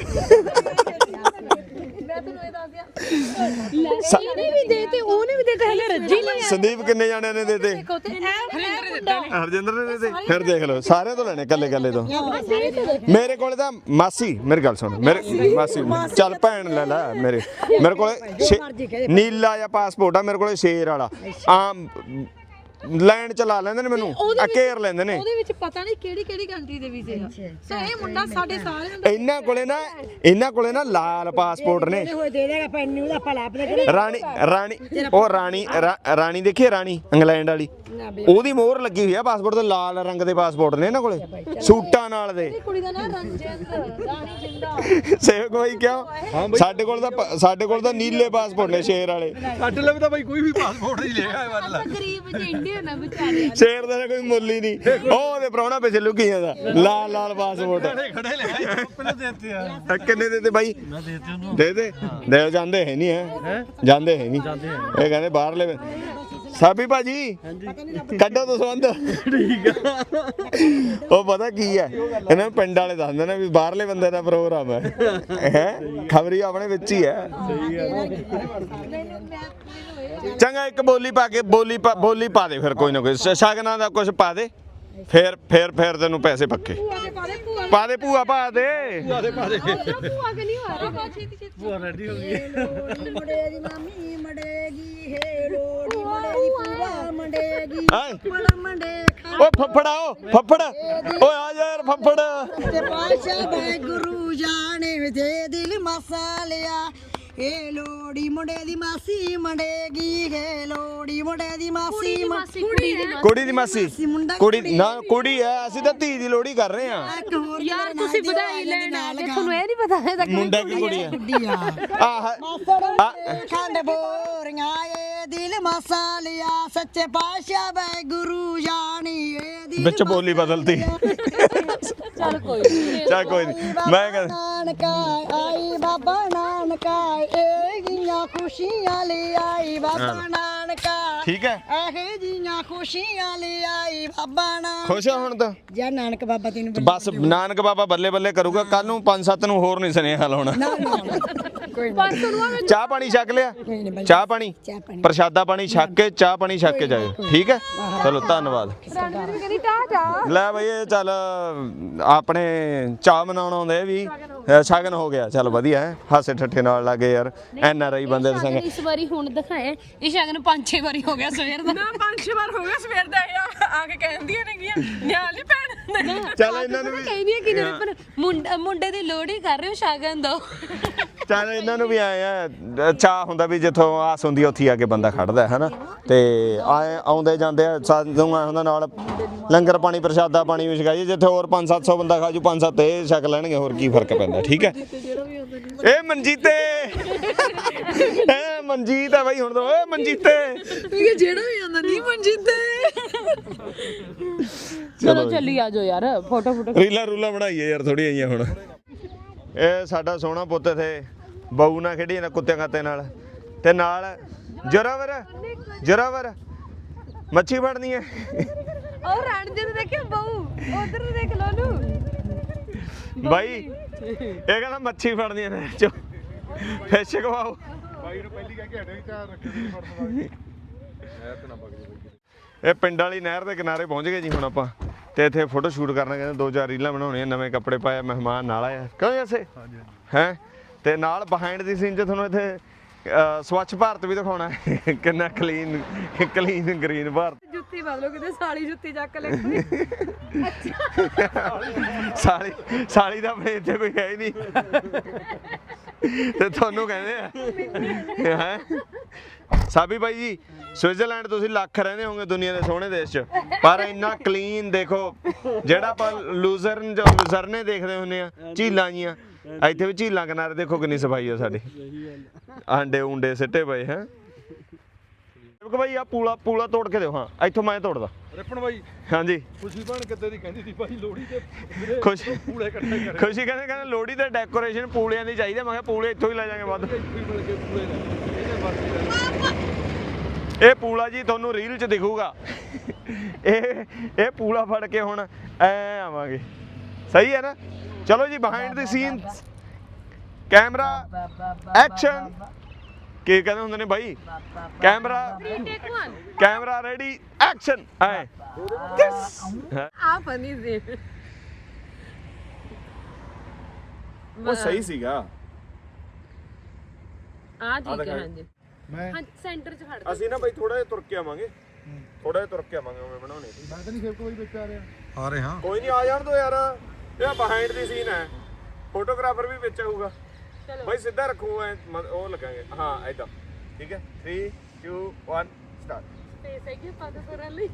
[SPEAKER 2] ਮੈਂ ਤੈਨੂੰ ਇਹ ਦੱਸ ਦਿਆਂ
[SPEAKER 3] ਇਹਨੇ ਵੀ ਦੇ ਤੇ ਉਹਨੇ ਵੀ ਦੇ ਤੇ ਹਲੇ ਰੱਜੀ ਲੈ
[SPEAKER 1] ਸੰਦੀਪ ਕਿੰਨੇ ਜਾਣਿਆਂ ਨੇ ਦਿੱਤੇ?
[SPEAKER 2] ਦੇਖੋ ਤੇ ਹਰਿੰਦਰ ਦਿੱਤਾ ਨੇ
[SPEAKER 1] ਹਰਜਿੰਦਰ ਨੇ ਦਿੱਤੇ। ਫਿਰ ਦੇਖ ਲਓ ਸਾਰਿਆਂ ਤੋਂ ਲੈਣੇ ਕੱਲੇ ਕੱਲੇ ਤੋਂ। ਮੇਰੇ ਕੋਲੇ ਤਾਂ ਮਾਸੀ, ਮੇਰੀ ਗੱਲ ਸੁਣ, ਮੇਰੇ ਮਾਸੀ ਚੱਲ ਭੈਣ ਲੈ ਲੈ, ਮੇਰੇ ਮੇਰੇ ਕੋਲੇ ਛੇ- ਨੀਲਾ ਜਿਹਾ ਪਾਸਪੋਰਟ ਆ ਮੇਰੇ ਕੋਲੇ, ਸ਼ੇਰ ਵਾਲਾ ਆਮ ਲੈਂਡ ਚਲਾ ਲੈਂਦੇ ਨੇ ਮੈਨੂੰ, ਆ ਘੇਰ ਲੈਂਦੇ ਨੇ।
[SPEAKER 2] ਉਹਦੇ ਵਿੱਚ ਪਤਾ ਨਹੀਂ ਕਿਹੜੀ ਕਿਹੜੀ ਕੰਟਰੀ ਦੇ ਵੀਜ਼ੇ ਆ। ਸੋ ਇਹ ਮੁੰਡਾ ਸਾਡੇ ਸਾਰਿਆਂ ਦਾ
[SPEAKER 1] ਇਹਨਾਂ ਕੋਲੇ ਨਾ ਇਹਨਾਂ ਕੋਲੇ ਨਾ ਲਾਲ ਪਾਸਪੋਰਟ ਨੇ।
[SPEAKER 7] ਹੋਏ ਦੇ ਦੇਗਾ ਪੈਨ ਨੂੰ ਦਾ ਭਲਾ ਆਪਣੇ
[SPEAKER 1] ਰਾਣੀ ਰਾਣੀ ਉਹ ਰਾਣੀ ਰਾ- ਰਾਣੀ ਦੇਖੀ ਰਾਣੀ ਇੰਗਲੈਂਡ ਵਾਲੀ, ਉਹਦੀ ਮੋਹਰ ਲੱਗੀ ਹੋਈ ਆ ਪਾਸਪੋਰਟ ਤੇ, ਲਾਲ ਰੰਗ ਦੇ ਪਾਸਪੋਰਟ ਨੇ ਇਹਨਾਂ ਕੋਲੇ ਸੂਟਾਂ ਨਾਲ ਦੇ।
[SPEAKER 2] ਕੁੜੀ ਦਾ ਨਾਂ ਰਣਜਿੰਦ ਰਾਣੀ ਜਿੰਦਾ।
[SPEAKER 1] ਸੇਵਕ ਬਾਈ ਕਿਉਂ? ਸਾਡੇ ਕੋਲ ਤਾਂ ਪ- ਸਾਡੇ ਕੋਲ ਤਾਂ ਨੀਲੇ ਪਾਸਪੋਰਟ ਨੇ ਸ਼ੇਰ ਵਾਲੇ।
[SPEAKER 6] ਸਾਡੇ ਲਈ ਤਾਂ ਬਾਈ ਕੋਈ ਵੀ ਪਾਸਪੋਰਟ ਨਹੀਂ ਲਿਆ ਮਤਲਬ
[SPEAKER 3] ਗਰੀਬ ਜਿਹੇ ਇੰਡੀਅਨ ਆ ਵਿਚਾਰੇ
[SPEAKER 1] ਸ਼ੇਰ ਦਾ ਤਾਂ ਕੋਈ ਮੁੱਲ ਹੀ ਨਹੀਂ। ਉਹ ਉਹਦੇ ਪ੍ਰਾਹੁਣਾ ਪਿੱਛੇ ਲੁਕੀ ਜਾਂਦਾ, ਲਾਲ ਲਾਲ ਪਾਸਪੋਰਟ।
[SPEAKER 6] ਖੜੇ ਲੈ ਪਹਿਲੇ ਦੇਤੇ ਆ
[SPEAKER 1] ਆ ਕਿੰਨੇ ਦੇ ਤੇ ਬਾਈ?
[SPEAKER 6] ਮੈਂ ਦੇਤੇ ਉਹਨੂੰ
[SPEAKER 1] ਦੇ ਦੇ ਦੇ ਜਾਂਦੇ ਹੈ ਨਹੀਂ ਹੈ ਜਾਂਦੇ ਹੈ ਨਹੀਂ ਇਹ ਕਹਿੰਦੇ ਬਾਹਰਲੇ। ਸਾਬੀ ਭਾਜੀ ਕੱਢੋ ਦਸਵੰਦ। ਠੀਕ ਆ। ਉਹ ਪਤਾ ਕੀ ਹੈ, ਇਹਨਾਂ ਪਿੰਡ ਵਾਲੇ ਦੱਸਦੇ ਨੇ ਵੀ ਬਾਹਰਲੇ ਬੰਦੇ ਦਾ ਪ੍ਰੋਗਰਾਮ ਹੈ ਹੈ ਖਬਰੀ ਆਪਣੇ ਵਿੱਚ ਹੀ ਹੈ। ਚੰਗਾ ਇੱਕ ਬੋਲੀ ਪਾ ਕੇ ਬੋਲੀ ਪਾ ਬੋਲੀ ਪਾ ਦੇ ਫਿਰ, ਕੋਈ ਨਾ ਕੋਈ ਸ਼ਗਨਾਂ ਦਾ ਕੁਝ ਪਾ ਦੇ, ਫਿਰ ਫਿਰ ਫਿਰ ਤੈਨੂੰ ਪੈਸੇ ਪੱਕੇ ਪਾ ਦੇ। ਭੂਆ ਪਾ ਦੇ
[SPEAKER 3] ਭੂਆ ਕਿ ਨਹੀਂ ਹੋਇਆ
[SPEAKER 6] ਭੂਆ ਰੈਡੀ ਹੋ ਗਈ।
[SPEAKER 7] ਮੁੰਡੇ ਦੀ ਮਾਮੀ ਮੜੇਗੀ ਹੇ ਲੋੜੀ ਮੁੰਡੇ ਦੀ ਪੂਰਾ ਮੰਡੇਗੀ
[SPEAKER 1] ਹੈਂ?
[SPEAKER 7] ਬੜਾ ਮੰਡੇ
[SPEAKER 1] ਓ ਫੱਫੜਾ ਓ ਫੱਫੜ ਓਏ ਆ ਜਾ ਯਾਰ ਫੱਫੜ।
[SPEAKER 7] ਤੇ ਪਾਸ਼ਾ ਬੈ ਗੁਰੂ ਜਾਣੇ ਦੇ ਦਿਲ ਮਸਾਲਿਆ ਏ ਲੋੜੀ ਮੁੰਡੇ ਦੀ ਮਾਸੀ ਮੰਡੇਗੀ ਹੇ ਲੋੜੀ ਮੁੰਡੇ ਦੀ ਮਾਸੀ
[SPEAKER 3] ਮਾਸੀ ਕੁੜੀ ਦੀ
[SPEAKER 1] ਕੁੜੀ ਦੀ ਮਾਸੀ
[SPEAKER 7] ਮੁੰਡਾ
[SPEAKER 1] ਕੁੜੀ ਨਾ ਕੁੜੀ ਐ, ਅਸੀਂ ਤਾਂ ਧੀ ਦੀ ਲੋਹੜੀ ਕਰ ਰਹੇ ਆ।
[SPEAKER 7] ਇੱਕ ਹੋਰ
[SPEAKER 3] ਯਾਰ ਤੁਸੀਂ ਵਧਾਈ ਲੈਣ ਆਏ ਤੁਹਾਨੂੰ ਇਹ ਨਹੀਂ ਪਤਾ ਹੈ ਤਾਂ
[SPEAKER 1] ਮੁੰਡਾ ਕੀ ਕੁੜੀ ਐ?
[SPEAKER 7] ਕੁੜੀਆ
[SPEAKER 1] ਆਹ ਆ
[SPEAKER 7] ਖੰਡ ਬੋਰੀਆਂ ਏ ਦਿਲ ਮਸਾਲਿਆ ਸੱਚੇ ਪਾਸ਼ਾ ਬੈ ਗੁਰੂ ਜਾਣੀ ਏ ਦਿਲ
[SPEAKER 1] ਵਿੱਚ ਬੋਲੀ ਬਦਲਦੀ।
[SPEAKER 3] ਚੱਲ ਕੋਈ ਨਹੀਂ
[SPEAKER 1] ਚੱਲ ਕੋਈ ਨਹੀਂ ਮੈਂ ਕਹਿੰਦਾ
[SPEAKER 7] ਨਾਨਕਾ ਆਈ ਬਾਬਾ ਨਾਨਕਾ ਏ ਗੀਆਂ ਖੁਸ਼ੀਆਂ ਲੈ ਆਈ ਬਾਬਾ ਨਾਨਕਾ
[SPEAKER 1] ਠੀਕ ਹੈ।
[SPEAKER 7] ਇਹ ਜੀਆਂ ਖੁਸ਼ੀਆਂ ਲੈ ਆਈ ਬਾਬਾ ਨਾਨਕ।
[SPEAKER 1] ਖੁਸ਼ ਆ ਹੁਣ ਤਾਂ?
[SPEAKER 7] ਜਾਂ ਨਾਨਕ ਬਾਬਾ ਤੈਨੂੰ
[SPEAKER 1] ਬਸ ਨਾਨਕ ਬਾਬਾ ਬੱਲੇ ਬੱਲੇ ਕਰੂਗਾ, ਕੱਲ ਨੂੰ ਪੰਜ ਸੱਤ ਨੂੰ ਹੋਰ ਨਹੀਂ ਸੁਨੇਹਾ ਲਾਉਣਾ।
[SPEAKER 7] ਕੋਈ
[SPEAKER 3] ਪੰਜ ਸੌ ਨੂੰ
[SPEAKER 1] ਚਾਹ ਪਾਣੀ ਛਕ ਲਿਆ? ਚਾਹ ਪਾਣੀ
[SPEAKER 7] ਚਾਹ ਪਾਣੀ
[SPEAKER 1] ਪ੍ਰਸ਼ਾਦਾ ਪਾਣੀ ਛਕ ਕੇ ਚਾਹ ਪਾਣੀ ਛਕ ਕੇ ਜਾਇਓ, ਠੀਕ ਹੈ? ਚਲੋ ਧੰਨਵਾਦ।
[SPEAKER 3] ਰਣਜੀਤ ਕਹਿੰਦੀ ਟਾ ਜਾ
[SPEAKER 1] ਲੈ ਬਈ ਇਹ ਚੱਲ ਆਪਣੇ ਚਾਹ ਮਨਾਉਣ ਆਉਂਦੇ ਵੀ ਅ, ਸ਼ਗਨ ਹੋ ਗਿਆ, ਚੱਲ ਵਧੀਆ ਹੈ, ਹਾਸੇ ਠੱਠੇ ਨਾਲ ਲੱਗੇ ਯਾਰ ਐਨ ਆਰ ਆਈ ਬੰਦੇ ਦੇ ਸੰਗ।
[SPEAKER 3] ਇਸ ਵਾਰੀ ਹੁਣ ਦਿਖਾਏ ਇਹ ਸ਼ਗਨ ਪੰਜ ਛੇ ਵਾਰੀ ਹੋ ਗਿਆ ਸਵੇਰ ਦਾ।
[SPEAKER 2] ਨਾ ਪੰਜ ਛੇ ਵਾਰ ਹੋ ਗਿਆ ਸਵੇਰ ਦਾ ਇਹ ਆ ਕੇ ਕਹਿੰਦੀਆਂ ਨੇਗੀਆਂ ਨਿਆਲੀ ਭੈਣ।
[SPEAKER 1] ਚੱਲ ਇਹਨਾਂ ਨੂੰ ਵੀ
[SPEAKER 3] ਕਹਿੰਦੀਆਂ ਕਿ ਨਹੀਂ ਪਰ ਮੁੰਡਾ ਮੁੰਡੇ ਦੀ ਲੋਹੜੀ ਕਰ ਰਹੇ ਹੋ ਸ਼ਗਨ ਦੋ।
[SPEAKER 1] ਚੱਲ ਇਹਨਾਂ ਨੂੰ ਵੀ ਆਏ ਆ ਚਾਹ ਹੁੰਦਾ ਵੀ ਜਿੱਥੋਂ ਆਸ ਹੁੰਦੀ ਆ ਉੱਥੇ ਹੀ ਆ ਕੇ ਬੰਦਾ ਖੜਦਾ ਹੈ ਨਾ, ਤੇ ਆਏ ਆਉਂਦੇ ਜਾਂਦੇ ਆ ਸਾਨੂੰ ਆਏ ਹੁੰਦਾ ਨਾਲ ਲੰਗਰ ਪਾਣੀ ਪ੍ਰਸ਼ਾਦਾ ਪਾਣੀ ਵੀ ਛਕਾਈਏ, ਜਿੱਥੇ ਹੋਰ ਪੰਜ ਸੱਤ ਸੌ ਬੰਦਾ ਖਾਜੂ ਪੰਜ ਸੱਤ ਇਹ ਛਕ ਲੈਣਗੇ, ਹੋਰ ਕੀ ਫਰਕ ਪੈਂਦਾ, ਠੀਕ ਹੈ? ਇਹ ਮਨਜੀਤੇ ਇਹ ਮਨਜੀਤ ਆ ਬਾਈ ਹੁਣ ਤਾਂ, ਓਏ ਮਨਜੀਤੇ
[SPEAKER 2] ਇਹ ਜਿਹੜਾ ਵੀ ਆਉਂਦਾ ਨਹੀਂ ਮਨਜੀਤੇ।
[SPEAKER 3] ਚਲੋ ਚੱਲੀ ਆ ਜਾਓ ਯਾਰ ਫੋਟੋ ਫੋਟੋ।
[SPEAKER 1] ਰੀਲਾ ਰੂਲਾ ਬਣਾਈਏ ਯਾਰ ਥੋੜੀ ਆਈਆਂ ਹੁਣ। ਇਹ ਸਾਡਾ ਸੋਹਣਾ ਪੁੱਤ ਇੱਥੇ ਬਹੂ ਨਾਲ ਖੇਡੀ ਜਾਂਦਾ ਕੁੱਤੇ ਖਾਤੇ ਨਾਲ, ਤੇ ਨਾਲ ਜੋਰਾਵਰ ਜੋਰਾਵਰ ਮੱਛੀ ਫੜਨੀ ਹੈ।
[SPEAKER 3] ਉਹ ਰਣਜੀਤ ਦੇਖਿਓ ਬਹੂ ਉਧਰ ਦੇਖ ਲੋ ਨੂੰ
[SPEAKER 1] ਬਾਈ ਇਹ ਕਹਿੰਦਾ ਮੱਛੀ ਫੜਨੀ ਹੈ, ਚੋ ਫਿਸ਼ ਖਵਾਓ ਬਾਈ ਨੂੰ ਪਹਿਲੀ ਕਹਿ ਕੇ ਹਟੇ ਧਿਆਨ ਰੱਖੋ ਜੀ ਫੜਨ ਵਾਲੀ ਨਹਿਰ ਤੇ ਨਾ ਵਗ ਜਾਵੇ। ਇਹ ਪਿੰਡ ਵਾਲੀ ਨਹਿਰ ਦੇ ਕਿਨਾਰੇ ਪਹੁੰਚ ਗਏ ਜੀ ਹੁਣ ਆਪਾਂ, ਤੇ ਇੱਥੇ ਫੋਟੋ ਸ਼ੂਟ ਕਰਨਾ, ਕਹਿੰਦੇ ਦੋ ਚਾਰ ਰੀਲਾਂ ਬਣਾਉਣੀਆਂ, ਨਵੇਂ ਕੱਪੜੇ ਪਾਏ ਮਹਿਮਾਨ ਨਾਲ ਆਇਆ ਕਿਉਂ ਐਸੇ ਹੈ, ਤੇ ਨਾਲ ਬਿਹਾਈਂਡ ਦੀ ਸੀਨ 'ਚ ਤੁਹਾਨੂੰ ਇੱਥੇ ਸਵੱਛ ਭਾਰਤ ਵੀ ਦਿਖਾਉਣਾ ਹੈ, ਕਿੰਨਾ ਕਲੀਨ ਕਲੀਨ ਗ੍ਰੀਨ ਭਾਰਤ।
[SPEAKER 2] ਜੁੱਤੀ ਬਦਲੋ ਕਿਤੇ ਸਾਲੀ ਜੁੱਤੀ ਚੱਕ ਲੈ ਕੋਈ।
[SPEAKER 1] ਸਾਲੀ ਸਾਲੀ ਦਾ ਆਪਣੇ ਇੱਥੇ ਕੋਈ ਹੈ ਹੀ ਨਹੀਂ, ਤੇ ਤੁਹਾਨੂੰ ਕਹਿੰਦੇ ਆ ਹੈ ਸਾਬੀ ਬਾਈ ਜੀ। ਸਵਿਟਜ਼ਰਲੈਂਡ ਤੁਸੀਂ ਲੱਖ ਰਹਿੰਦੇ ਹੋਗੇ ਦੁਨੀਆ ਦੇ ਸੋਹਣੇ ਦੇਸ਼ 'ਚ, ਪਰ ਇੰਨਾ ਕਲੀਨ ਦੇਖੋ, ਜਿਹੜਾ ਆਪਾਂ ਲੂਜ਼ਰਨ ਜਾਂ ਲੁਜ਼ਰਨੇ ਦੇਖਦੇ ਹੁੰਦੇ ਆ ਝੀਲਾਂ ਜੀਆਂ, ਇੱਥੇ ਵੀ ਝੀਲਾਂ ਕਿਨਾਰੇ ਦੇਖੋ ਕਿੰਨੀ ਸਫਾਈ ਆ ਸਾਡੀ ਆਂਡੇ ਉਂਡੇ ਸਿੱਟੇ ਪਏ ਹੈ ਕਿਉਂਕਿ ਭਾਈ ਆ ਪੂਲਾ ਪੂਲਾ ਤੋੜ ਕੇ ਦਿਓ ਹਾਂ ਇੱਥੋਂ ਮੈਂ ਤੋੜਦਾ
[SPEAKER 8] ਰਿਪਨ ਬਾਈ
[SPEAKER 1] ਹਾਂਜੀ
[SPEAKER 8] ਖੁਸ਼ੀ ਬਣ ਕਿੱਦੇ ਦੀ ਕਹਿੰਦੀ ਸੀ ਭਾਈ ਲੋਹੜੀ ਤੇ ਵੀਰੇ
[SPEAKER 1] ਖੁਸ਼ੀ
[SPEAKER 8] ਪੂਲੇ ਇਕੱਠੇ ਕਰੇ
[SPEAKER 1] ਖੁਸ਼ੀ ਕਹਿੰਦੇ ਕਹਿੰਦੇ ਲੋਹੜੀ ਤੇ ਡੈਕੋਰੇਸ਼ਨ ਪੂਲਿਆਂ ਦੀ ਚਾਹੀਦੀ ਮੈਂ ਕਿਹਾ ਪੂਲੇ ਇੱਥੋਂ ਹੀ ਲੈ ਜਾਾਂਗੇ ਵੱਧ
[SPEAKER 8] ਇੱਥੇ ਹੀ ਮਿਲ ਕੇ ਪੂਲੇ ਲੈ ਇਹਦੇ ਮਰਜ਼ੀ
[SPEAKER 1] ਇਹ ਪੂਲਾ ਜੀ ਤੁਹਾਨੂੰ ਰੀਲ 'ਚ ਦਿਖੂਗਾ ਇਹ ਇਹ ਪੂਲਾ ਫੜ ਕੇ ਹੁਣ ਐ ਆਵਾਂਗੇ ਸਹੀ ਹੈ ਨਾ ਚਲੋ ਜੀ behind the scene camera action ਕੀ ਕਹਿੰਦੇ ਹੁੰਦੇ ਨੇ ਬਾਈ ਕੈਮਰਾ ਕੈਮਰਾ ਰੈਡੀ ਐਕਸ਼ਨ ਐ
[SPEAKER 3] ਆ ਫਨੀ ਸੀ
[SPEAKER 1] ਉਹ ਸਹੀ ਸੀਗਾ
[SPEAKER 3] ਆ ਠੀਕ ਹੈ ਹਾਂਜੀ
[SPEAKER 4] ਮੈਂ
[SPEAKER 3] ਹਾਂ ਸੈਂਟਰ 'ਚ ਖੜ
[SPEAKER 1] ਅਸੀਂ ਨਾ ਬਾਈ ਥੋੜਾ ਜਿਹਾ ਤੁਰ ਕੇ ਆਵਾਂਗੇ ਥੋੜਾ ਜਿਹਾ ਤੁਰ ਕੇ ਆਵਾਂਗੇ ਉਵੇਂ ਬਣਾਉਣੇ
[SPEAKER 4] ਮੈਂ ਤਾਂ ਨਹੀਂ ਫਿਰ ਕੋਈ ਵਿੱਚ ਆ ਰਿਹਾ
[SPEAKER 8] ਆ ਰਹੇ ਹਾਂ
[SPEAKER 1] ਕੋਈ ਨਹੀਂ ਆ ਜਾਣ ਦੋ ਯਾਰ ਇਹ ਬਿਹਾਈਂਡ ਦੀ ਸੀਨ ਹੈ ਫੋਟੋਗ੍ਰਾਫਰ ਵੀ ਵਿੱਚ ਆਊਗਾ ਬਾਈ ਸਿੱਧਾ ਰੱਖੋ ਐ ਉਹ ਲੱਗਾਂਗੇ ਹਾਂ ਐਦਾਂ ਠੀਕ ਹੈ three two one start
[SPEAKER 3] space ਹੈਗੀ ਪਤਾ ਕਰਨ ਲਈ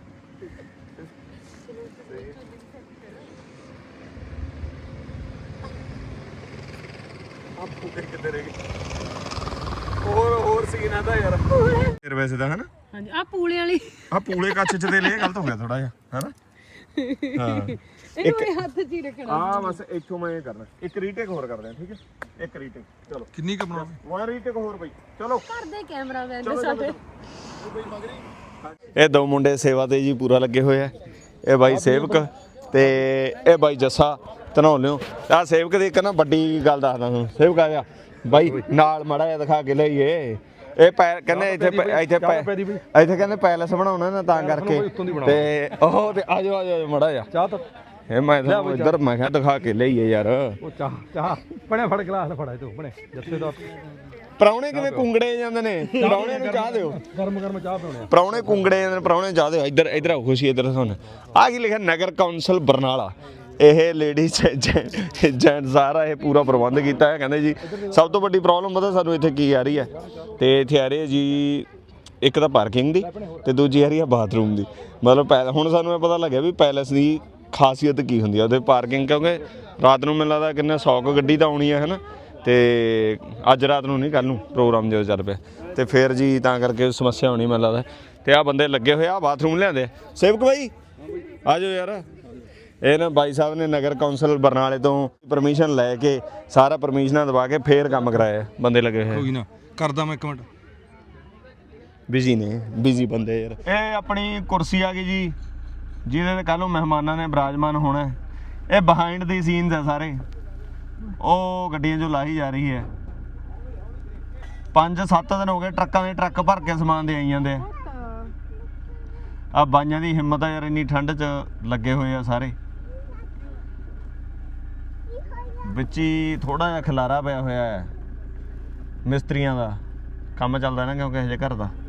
[SPEAKER 1] ਆਪ ਫੁਕੇ ਕਿੱਥੇ ਰਹਿ ਗਏ ਹੋਰ ਹੋਰ ਸੀਨ ਆਦਾ ਯਾਰ ਫਿਰ ਵੈਸੇ ਤਾਂ ਹਨਾ
[SPEAKER 3] ਹਾਂਜੀ ਆ ਪੂਲੇ ਵਾਲੀ
[SPEAKER 1] ਆ ਪੂਲੇ ਕੱਚ ਚ ਦੇ ਲੈ ਗਲਤ ਹੋ ਗਿਆ ਥੋੜਾ ਜਿਹਾ ਹਨਾ ਹਾਂ
[SPEAKER 3] ਇਹਨੂੰ ਇਹ ਹੱਥ 'ਚ ਹੀ ਰੱਖਣਾ
[SPEAKER 1] ਆ ਬਸ ਇੱਥੋਂ ਮੈਂ ਇਹ ਕਰਨਾ ਇੱਕ ਰੀਟੇਕ ਹੋਰ ਕਰਦੇ ਆ ਠੀਕ ਹੈ ਇੱਕ ਰੀਟੇਕ ਚਲੋ
[SPEAKER 8] ਕਿੰਨੀ ਕ ਬਣਾਉਣੀ
[SPEAKER 1] ਵਨ ਰੀਟੇਕ ਹੋਰ ਬਈ ਚਲੋ
[SPEAKER 3] ਕਰਦੇ ਕੈਮਰਾਮੈਨ ਦੇ ਸਾਡੇ
[SPEAKER 1] ਇਹ ਦੋ ਮੁੰਡੇ ਸੇਵਾ ਤੇ ਜੀ ਪੂਰਾ ਲੱਗੇ ਹੋਏ ਆ ਇਹ ਬਾਈ ਸੇਵਕ ਤੇ ਇਹ ਬਾਈ ਜੱਸਾ ਧਨੌਲਿਓ ਆ ਸੇਵਕ ਦੀ ਇੱਕ ਨਾ ਵੱਡੀ ਗੱਲ ਦੱਸਦਾ ਤੁਹਾਨੂੰ ਸੇਵਕ ਆ ਗਿਆ ਬਾਈ ਨਾਲ ਮੜਾ ਜਿਹਾ ਦਿਖਾ ਕੇ ਲਈਏ ਇਹ ਪੈ ਕਹਿੰਦੇ ਇੱਥੇ ਪੈ- ਇੱਥੇ ਪੈ- ਇੱਥੇ ਕਹਿੰਦੇ ਪੈਲਸ ਬਣਾਉਣਾ ਨਾ ਤਾਂ ਕਰਕੇ ਤੇ ਉਹ ਤੇ ਆਜੋ ਆਜੋ ਮੜਾ ਜਾ
[SPEAKER 8] ਚਾਹ ਤਾਂ
[SPEAKER 1] ਇਹ ਮੈਂ ਤੁਹਾਨੂੰ ਇੱਧਰ ਮੈਂ ਕਿਹਾ ਦਿਖਾ ਕੇ ਲਈਏ ਯਾਰ
[SPEAKER 8] ਉਹ ਚਾਹ ਚਾਹ ਬਣੇ ਫੜ ਗਲਾਸ ਫੜਾ ਤੂੰ ਬਣੇ ਜੱਥੇ ਦਾ
[SPEAKER 1] ਪ੍ਰਾਹੁਣੇ ਕਿਵੇਂ ਕੁੰਗੜੇ ਜਾਂਦੇ ਨੇ ਪ੍ਰਾਹੁਣੇ ਨੂੰ ਚਾਹ ਦਿਓ
[SPEAKER 8] ਗਰਮ ਗਰਮ ਚਾਹ ਪਿਉਣੇ
[SPEAKER 1] ਪ੍ਰਾਹੁਣੇ ਕੁੰਗੜੇ ਜਾਂਦੇ ਨੇ ਪ੍ਰਾਹੁਣੇ ਚਾਹ ਦਿਓ ਇੱਧਰ ਇੱਧਰ ਆਓ ਖੁਸ਼ੀ ਇੱਧਰ ਸੁਣ ਆ ਕੀ ਲਿਖਿਆ ਨਗਰ ਕੌਂਸਲ ਬਰਨਾਲਾ ਇਹ ਲੇਡੀਜ਼ ਜੈਂਟ ਸਾਰਾ ਇਹ ਪੂਰਾ ਪ੍ਰਬੰਧ ਕੀਤਾ ਹੈ ਕਹਿੰਦੇ ਜੀ ਸਭ ਤੋਂ ਵੱਡੀ ਪ੍ਰੋਬਲਮ ਪਤਾ ਸਾਨੂੰ ਇੱਥੇ ਕੀ ਆ ਰਹੀ ਹੈ ਤੇ ਇੱਥੇ ਆ ਰਹੀ ਹੈ ਜੀ ਇੱਕ ਤਾਂ ਪਾਰਕਿੰਗ ਦੀ ਤੇ ਦੂਜੀ ਆ ਰਹੀ ਹੈ ਬਾਥਰੂਮ ਦੀ ਮਤਲਬ ਪੈ ਹੁਣ ਸਾਨੂੰ ਇਹ ਪਤਾ ਲੱਗਿਆ ਵੀ ਪੈਲਸ ਦੀ ਖਾਸੀਅਤ ਕੀ ਹੁੰਦੀ ਆ ਉਹਦੇ ਪਾਰਕਿੰਗ ਕਿਉਂਕਿ ਰਾਤ ਨੂੰ ਮੈਨੂੰ ਲੱਗਦਾ ਕਿੰਨਾ ਸੌ ਕੁ ਗੱਡੀ ਤਾਂ ਆਉਣੀ ਹੈ ਹੈ ਨਾ ਤੇ ਅੱਜ ਰਾਤ ਨੂੰ ਨਹੀਂ ਕੱਲ ਨੂੰ ਪ੍ਰੋਗਰਾਮ ਜਦੋਂ ਚੱਲ ਪਿਆ ਤੇ ਫਿਰ ਜੀ ਤਾਂ ਕਰਕੇ ਸਮੱਸਿਆ ਹੋਣੀ ਮੈਨੂੰ ਲੱਗਦਾ ਤੇ ਆਹ ਬੰਦੇ ਲੱਗੇ ਹੋਏ ਆ ਬਾਥਰੂਮ ਲਿਆਂਦੇ ਸੇਵਕ ਬਾਈ ਆ ਜਾਓ ਯਾਰ ਇਹ ਨਾ ਬਾਈ ਸਾਹਿਬ ਨੇ ਨਗਰ ਕੌਂਸਲ ਬਰਨਾਲੇ ਤੋਂ ਪਰਮਿਸ਼ਨ ਲੈ ਕੇ ਸਾਰਾ ਪਰਮਿਸ਼ਨਾਂ ਦਵਾ ਕੇ ਫੇਰ ਕੰਮ ਕਰਾਇਆ ਬੰਦੇ ਲੱਗੇ ਹੋਏ
[SPEAKER 8] ਕੋਈ ਨਾ ਕਰਦਾ ਮੈਂ ਇੱਕ ਮਿੰਟ
[SPEAKER 1] ਬਿਜ਼ੀ ਨੇ ਬਿਜ਼ੀ ਬੰਦੇ ਯਾਰ ਇਹ ਆਪਣੀ ਕੁਰਸੀ ਆ ਗਈ ਜੀ ਜਿਹਦੇ ਤੇ ਕੱਲ ਨੂੰ ਮਹਿਮਾਨਾਂ ਨੇ ਬਰਾਜਮਾਨ ਹੋਣਾ ਇਹ ਬਿਹਾਈਂਡ ਦੀ ਸੀਨਸ ਆ ਸਾਰੇ ਉਹ ਗੱਡੀਆਂ ਜੋ ਲਾਹੀ ਜਾ ਰਹੀ ਹੈ ਪੰਜ ਸੱਤ ਦਿਨ ਹੋ ਗਏ ਟਰੱਕਾਂ ਦੇ ਟਰੱਕ ਭਰ ਕੇ ਸਮਾਨ ਦੇ ਆਈ ਜਾਂਦੇ ਆ ਆ ਬਾਈਆਂ ਦੀ ਹਿੰਮਤ ਆ ਯਾਰ ਇੰਨੀ ਠੰਡ 'ਚ ਲੱਗੇ ਹੋਏ ਆ ਸਾਰੇ ਵਿੱਚ ਹੀ ਥੋੜਾ ਜਿਹਾ ਖਿਲਾਰਾ ਪਿਆ ਹੋਇਆ ਹੈ ਮਿਸਤਰੀਆਂ ਦਾ ਕੰਮ ਚੱਲਦਾ ਨਾ ਕਿਉਂਕਿ ਹਜੇ ਘਰ ਦਾ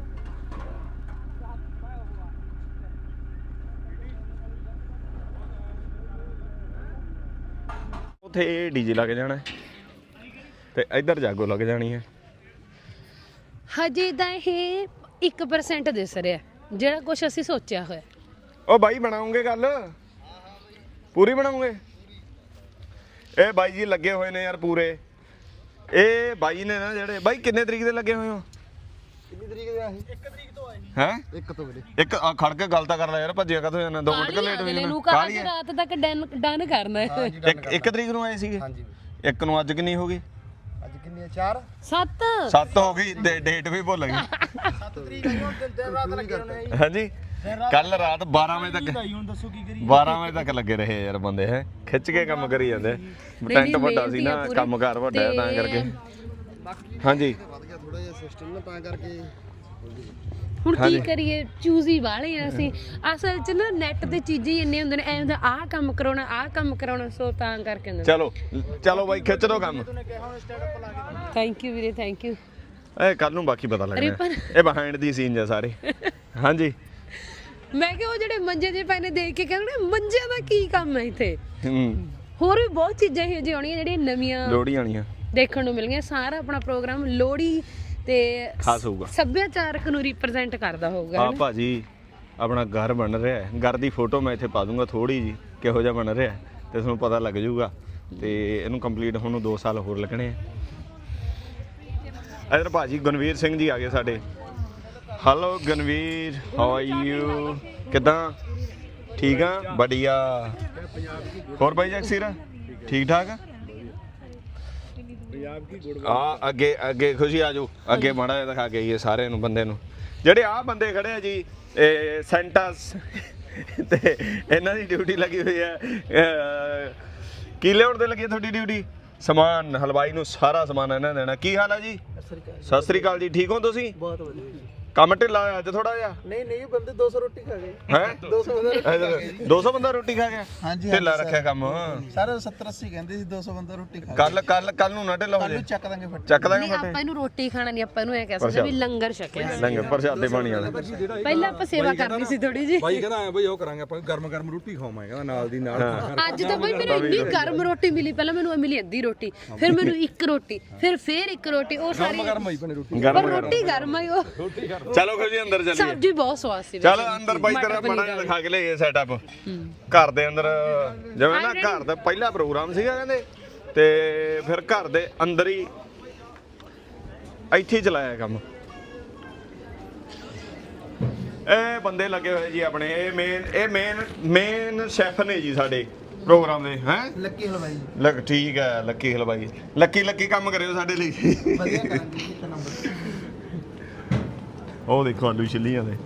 [SPEAKER 1] ਉੱਥੇ ਡੀਜੇ ਲੱਗ ਜਾਣਾ ਤੇ ਇੱਧਰ ਜਾਗੋ ਲੱਗ ਜਾਣੀ ਹੈ
[SPEAKER 3] ਹਜੇ ਤਾਂ ਇਹ ਇੱਕ ਪਰਸੈਂਟ ਦਿਸ ਰਿਹਾ ਜਿਹੜਾ ਕੁਝ ਅਸੀਂ ਸੋਚਿਆ ਹੋਇਆ
[SPEAKER 1] ਉਹ ਬਾਈ ਬਣਾਉਂਗੇ ਗੱਲ ਪੂਰੀ ਬਣਾਉਂਗੇ ਇਹ ਬਾਈ ਜੀ ਲੱਗੇ ਹੋਏ ਨੇ ਯਾਰ ਪੂਰੇ ਇਹ ਬਾਈ ਨੇ ਨਾ ਜਿਹੜੇ ਬਾਈ ਕਿੰਨੇ ਤਰੀਕ ਦੇ ਲੱਗੇ ਹੋਏ ਹੋ
[SPEAKER 4] ਕਿੰਨੀ ਤਰੀਕ ਦੇ ਆਹੀ ਇੱਕ ਤਰੀਕ ਤੋਂ ਆਏ
[SPEAKER 1] ਹੈ
[SPEAKER 4] ਇੱਕ ਤੋਂ ਵੀਰੇ
[SPEAKER 1] ਇੱਕ ਆ ਖੜ ਕੇ ਗੱਲ ਤਾਂ ਕਰ ਲੈ ਯਾਰ ਭੱਜਿਆ ਕਦੋਂ ਜਾਣਾ ਦੋ ਮਿੰਟ ਲੇਟ ਹੋ
[SPEAKER 3] ਅਗਲੇ
[SPEAKER 1] ਜਾਣਾ
[SPEAKER 3] ਨੂੰ ਕਾਹਲੀ ਰਾਤ ਤੱਕ ਡਨ ਡਨ ਕਰਨਾ ਹੈ
[SPEAKER 1] ਇੱਕ ਇੱਕ ਤਰੀਕ ਨੂੰ ਆਏ ਸੀਗੇ
[SPEAKER 4] ਹਾਂਜੀ
[SPEAKER 1] ਇੱਕ ਨੂੰ ਅੱਜ ਕਿੰਨੀ ਹੋ ਗਈ
[SPEAKER 4] ਅੱਜ ਕਿੰਨੀ ਹੈ ਚਾਰ
[SPEAKER 3] ਸੱਤ
[SPEAKER 1] ਸੱਤ ਹੋ ਗਈ ਡੇਟ ਵੀ ਭੁੱਲ ਗਈ
[SPEAKER 4] ਸੱਤ ਤਰੀਕ ਆਈ ਹੁਣ ਦਿਨ ਰਾਤ ਲੱਗੇ ਹੋਣੇ ਆ
[SPEAKER 1] ਹਾਂਜੀ ਕੱਲ ਰਾਤ ਬਾਰਾਂ ਵਜੇ ਤੱਕ
[SPEAKER 4] ਹੁਣ ਦੱਸੋ ਕੀ ਕਰੀ
[SPEAKER 1] ਬਾਰਾਂ ਵਜੇ ਤੱਕ ਲੱਗੇ ਰਹੇ ਯਾਰ ਬੰਦੇ ਹੈ ਖਿੱਚ ਕੇ ਕੰਮ ਕਰੀ ਜਾਂਦੇ ਟੈਂਟ ਵੱਡਾ ਸੀ ਨਾ ਕੰਮਕਾਰ ਵੱਡਾ ਹੈ ਤਾਂ ਕਰਕੇ ਹਾਂਜੀ
[SPEAKER 4] ਵੱਧ ਗਿਆ ਥੋੜਾ ਜਿਹਾ ਸਿਸਟਮ ਨਾ ਤਾਂ ਕਰਕੇ
[SPEAKER 3] ਹੁਣ ਕੀ ਕਰੀਏ ਚੂਜ਼ੀ ਵਾਲੇ ਆ ਅਸੀਂ ਅਸਲ 'ਚ ਨਾ ਨੈਟ ਤੇ ਚੀਜ਼ਾਂ ਹੀ ਇੰਨੇ ਹੁੰਦੇ ਨੇ ਐਂ ਹੁੰਦਾ ਆਹ ਕੰਮ ਕਰਾਉਣਾ ਆਹ ਕੰਮ ਕਰਾਉਣਾ ਸੋ ਤਾਂ ਕਰਕੇ ਹੁੰਦਾ
[SPEAKER 1] ਚਲੋ ਚਲੋ ਬਾਈ ਖਿੱਚ ਦੋ ਕੰਮ
[SPEAKER 3] ਥੈਂਕ ਯੂ ਵੀਰੇ ਥੈਂਕ ਯੂ
[SPEAKER 1] ਇਹ ਕੱਲ ਨੂੰ ਬਾਕੀ ਪਤਾ ਲੱਗਣਾ
[SPEAKER 3] ਰਿਪਨ।
[SPEAKER 1] ਇਹ ਬਿਹਾਈਂਡ ਦੀ ਸੀਨ ਆ ਸਾਰੇ ਹਾਂਜੀ
[SPEAKER 3] ਮੈਂ ਕਿਹਾ ਉਹ ਜਿਹੜੇ ਮੰਜੇ ਜੇ ਪਏ ਨੇ ਦੇਖ ਕੇ ਕਹਿੰਦੇ ਮੰਜਿਆਂ ਦਾ ਕੀ ਕੰਮ ਹੈ ਇੱਥੇ
[SPEAKER 1] ਹੂੰ
[SPEAKER 3] ਹੋਰ ਵੀ ਬਹੁਤ ਚੀਜ਼ਾਂ ਇਹੋ ਜਿਹੀਆਂ ਆਉਣੀਆਂ ਜਿਹੜੀਆਂ ਨਵੀਆਂ
[SPEAKER 1] ਲੋੜੀ ਆਣੀਆਂ
[SPEAKER 3] ਦੇਖਣ ਨੂੰ ਮਿਲਣਗੀਆਂ ਸਾਰਾ ਆਪਣਾ ਪ੍ਰੋਗਰਾਮ ਲੋਹੜੀ ਤੇ
[SPEAKER 1] ਖਾਸ ਹੋਊਗਾ
[SPEAKER 3] ਸੱਭਿਆਚਾਰਕ ਨੂੰ ਰਿਪਰੈਜ਼ੈਂਟ ਕਰਦਾ ਹੋਊਗਾ
[SPEAKER 1] ਆ ਭਾਜੀ ਆਪਣਾ ਘਰ ਬਣ ਰਿਹਾ ਹੈ ਘਰ ਦੀ ਫੋਟੋ ਮੈਂ ਇੱਥੇ ਪਾ ਦੂੰਗਾ ਥੋੜੀ ਜੀ ਕਿਹੋ ਜਿਹਾ ਬਣ ਰਿਹਾ ਤੇ ਤੁਹਾਨੂੰ ਪਤਾ ਲੱਗ ਜਾਊਗਾ ਤੇ ਇਹਨੂੰ ਕੰਪਲੀਟ ਹੋਣ ਨੂੰ ਦੋ ਸਾਲ ਹੋਰ ਲੱਗਣੇ ਆ। ਇਧਰ ਭਾਜੀ ਗੁਣਵੀਰ ਸਿੰਘ ਜੀ ਆ ਗਏ ਸਾਡੇ। Hello Gunveer, how are you? ਕਿੱਦਾਂ? ਠੀਕ ਆ, ਵਧੀਆ। ਹੋਰ ਬਾਈ ਜਗਸੀਰ ਠੀਕ ਠਾਕ ਆ? ਆ ਅੱਗੇ ਅੱਗੇ ਖੁਸ਼ੀ ਆ ਜਾਓ, ਅੱਗੇ ਮਾੜਾ ਜਿਹਾ ਦਿਖਾ ਕੇ ਆਈਏ ਸਾਰਿਆਂ ਨੂੰ ਬੰਦੇ ਨੂੰ। ਜਿਹੜੇ ਆਹ ਬੰਦੇ ਖੜੇ ਆ ਜੀ, ਇਹ ਸੈਂਟਸ ਤੇ ਇਹਨਾਂ ਦੀ ਡਿਊਟੀ ਲੱਗੀ ਹੋਈ ਹੈ। ਕੀ ਲਿਆਉਣ ਦੇ ਲੱਗੀ ਹੈ ਤੁਹਾਡੀ ਡਿਊਟੀ? ਸਮਾਨ ਹਲਵਾਈ ਨੂੰ ਸਾਰਾ ਸਮਾਨ ਇਹਨਾਂ ਨੇ ਦੇਣਾ। ਕੀ ਹਾਲ ਹੈ ਜੀ? ਸਤਿ ਸ੍ਰੀ ਅਕਾਲ ਜੀ, ਠੀਕ ਹੋ ਤੁਸੀਂ?
[SPEAKER 4] ਬਹੁਤ ਵਧੀਆ।
[SPEAKER 1] ਕੰਮ ਢਿੱਲਾ ਹੋਇਆ ਅੱਜ ਥੋੜਾ ਜਿਹਾ?
[SPEAKER 4] ਨਹੀਂ ਨਹੀਂ ਬੰਦੇ ਦੋ ਸੌ ਰੋਟੀ ਖਾ ਗਏ।
[SPEAKER 1] ਹੈ
[SPEAKER 4] ਦੋ ਸੌ ਬੰਦਾ
[SPEAKER 1] ਦੋ ਸੌ ਬੰਦਾ ਰੋਟੀ ਖਾ ਗਿਆ?
[SPEAKER 4] ਹਾਂਜੀ
[SPEAKER 1] ਢਿੱਲਾ ਰੱਖਿਆ ਕੰਮ।
[SPEAKER 4] ਸਾਰੇ ਸੱਤਰ ਅੱਸੀ ਕਹਿੰਦੇ ਸੀ ਦੋ ਸੌ ਬੰਦਾ ਰੋਟੀ ਖਾ
[SPEAKER 1] ਕੱਲ ਕੱਲ ਕੱਲ ਨੂੰ ਨਾ ਢਿੱਲਾ ਹੋ ਜਾਏ।
[SPEAKER 4] ਚੱਕ ਦਾਂਗੇ ਫਟ
[SPEAKER 1] ਚੱਕ ਦਾਂਗੇ
[SPEAKER 3] ਨਹੀਂ
[SPEAKER 1] ਫਟੇ।
[SPEAKER 3] ਆਪਾਂ ਇਹਨੂੰ ਰੋਟੀ ਖਾਣਾ ਨਹੀਂ, ਆਪਾਂ ਇਹਨੂੰ ਐ ਕਹਿ ਸਕਦੇ ਵੀ ਲੰਗਰ ਛਕਿਆ।
[SPEAKER 1] ਲੰਗਰ ਪ੍ਰਸ਼ਾਦੇ ਪਾਣੀ ਵਾਲਾ।
[SPEAKER 3] ਪਹਿਲਾਂ ਆਪਾਂ ਸੇਵਾ ਕਰਨੀ ਸੀ ਥੋੜੀ ਜੀ।
[SPEAKER 8] ਬਾਈ ਕਹਿੰਦਾ ਐ ਬਈ ਉਹ ਕਰਾਂਗੇ ਆਪਾਂ ਗਰਮ ਗਰਮ ਰੋਟੀ ਖਾਵਾਂਗੇ ਕਹਿੰਦਾ ਨਾਲ ਦੀ ਨਾਲ।
[SPEAKER 3] ਅੱਜ ਤਾਂ ਬਈ ਮੈਨੂੰ ਇੰਨੀ ਗਰਮ ਰੋਟੀ ਮਿਲੀ, ਪਹਿਲਾਂ ਮੈਨੂੰ ਮਿਲੀ ਅੱਧੀ ਰੋਟੀ, ਫਿਰ ਮੈਨੂੰ ਇੱਕ ਰੋਟੀ, ਫਿਰ ਫੇਰ ਇੱਕ ਰੋਟੀ, ਉਹ ਸਾਰੀ
[SPEAKER 8] ਗਰਮ ਹੋਈ ਭਣੇ ਰੋਟੀ।
[SPEAKER 3] ਪਰ ਰੋਟੀ ਗਰਮ ਆਈ ਉਹ।
[SPEAKER 1] ਚਲੋ ਫਿਰ ਜੀ ਅੰਦਰ ਚੱਲੀਏ।
[SPEAKER 3] ਸਬਜ਼ੀ ਬਹੁਤ ਸਵਾਦ ਸੀ।
[SPEAKER 1] ਚਲ ਅੰਦਰ ਬਾਈ ਤੇਰਾ ਮਾੜਾ ਜਿਹਾ ਦਿਖਾ ਕੇ ਲਈਏ ਸੈਟਅਪ ਘਰ ਦੇ ਅੰਦਰ। ਜਿਵੇਂ ਨਾ ਘਰ ਦਾ ਪਹਿਲਾ ਪ੍ਰੋਗਰਾਮ ਸੀਗਾ ਕਹਿੰਦੇ, ਤੇ ਫਿਰ ਘਰ ਦੇ ਅੰਦਰ ਹੀ ਇੱਥੇ ਹੀ ਚਲਾਇਆ ਕੰਮ। ਇਹ ਬੰਦੇ ਲੱਗੇ ਹੋਏ ਜੀ ਆਪਣੇ, ਇਹ ਮੇਨ ਇਹ ਮੇਨ ਮੇਨ ਸ਼ੈਫ ਨੇ ਜੀ ਸਾਡੇ ਪ੍ਰੋਗਰਾਮ ਦੇ। ਹੈ
[SPEAKER 4] ਲੱਕੀ ਹਲਵਾਈ
[SPEAKER 1] ਲੱਕ ਠੀਕ ਹੈ, ਲੱਕੀ ਹਲਵਾਈ। ਲੱਕੀ ਲੱਕੀ ਕੰਮ ਕਰਿਓ ਸਾਡੇ ਲਈ।
[SPEAKER 4] ਵਧੀਆ ਕਰਾਂਗੇ ਇੱਕ ਨੰਬਰ।
[SPEAKER 1] ਉਹ ਦੇਖੋ ਆਲੂ ਛਿੱਲੀਆਂ ਦੇ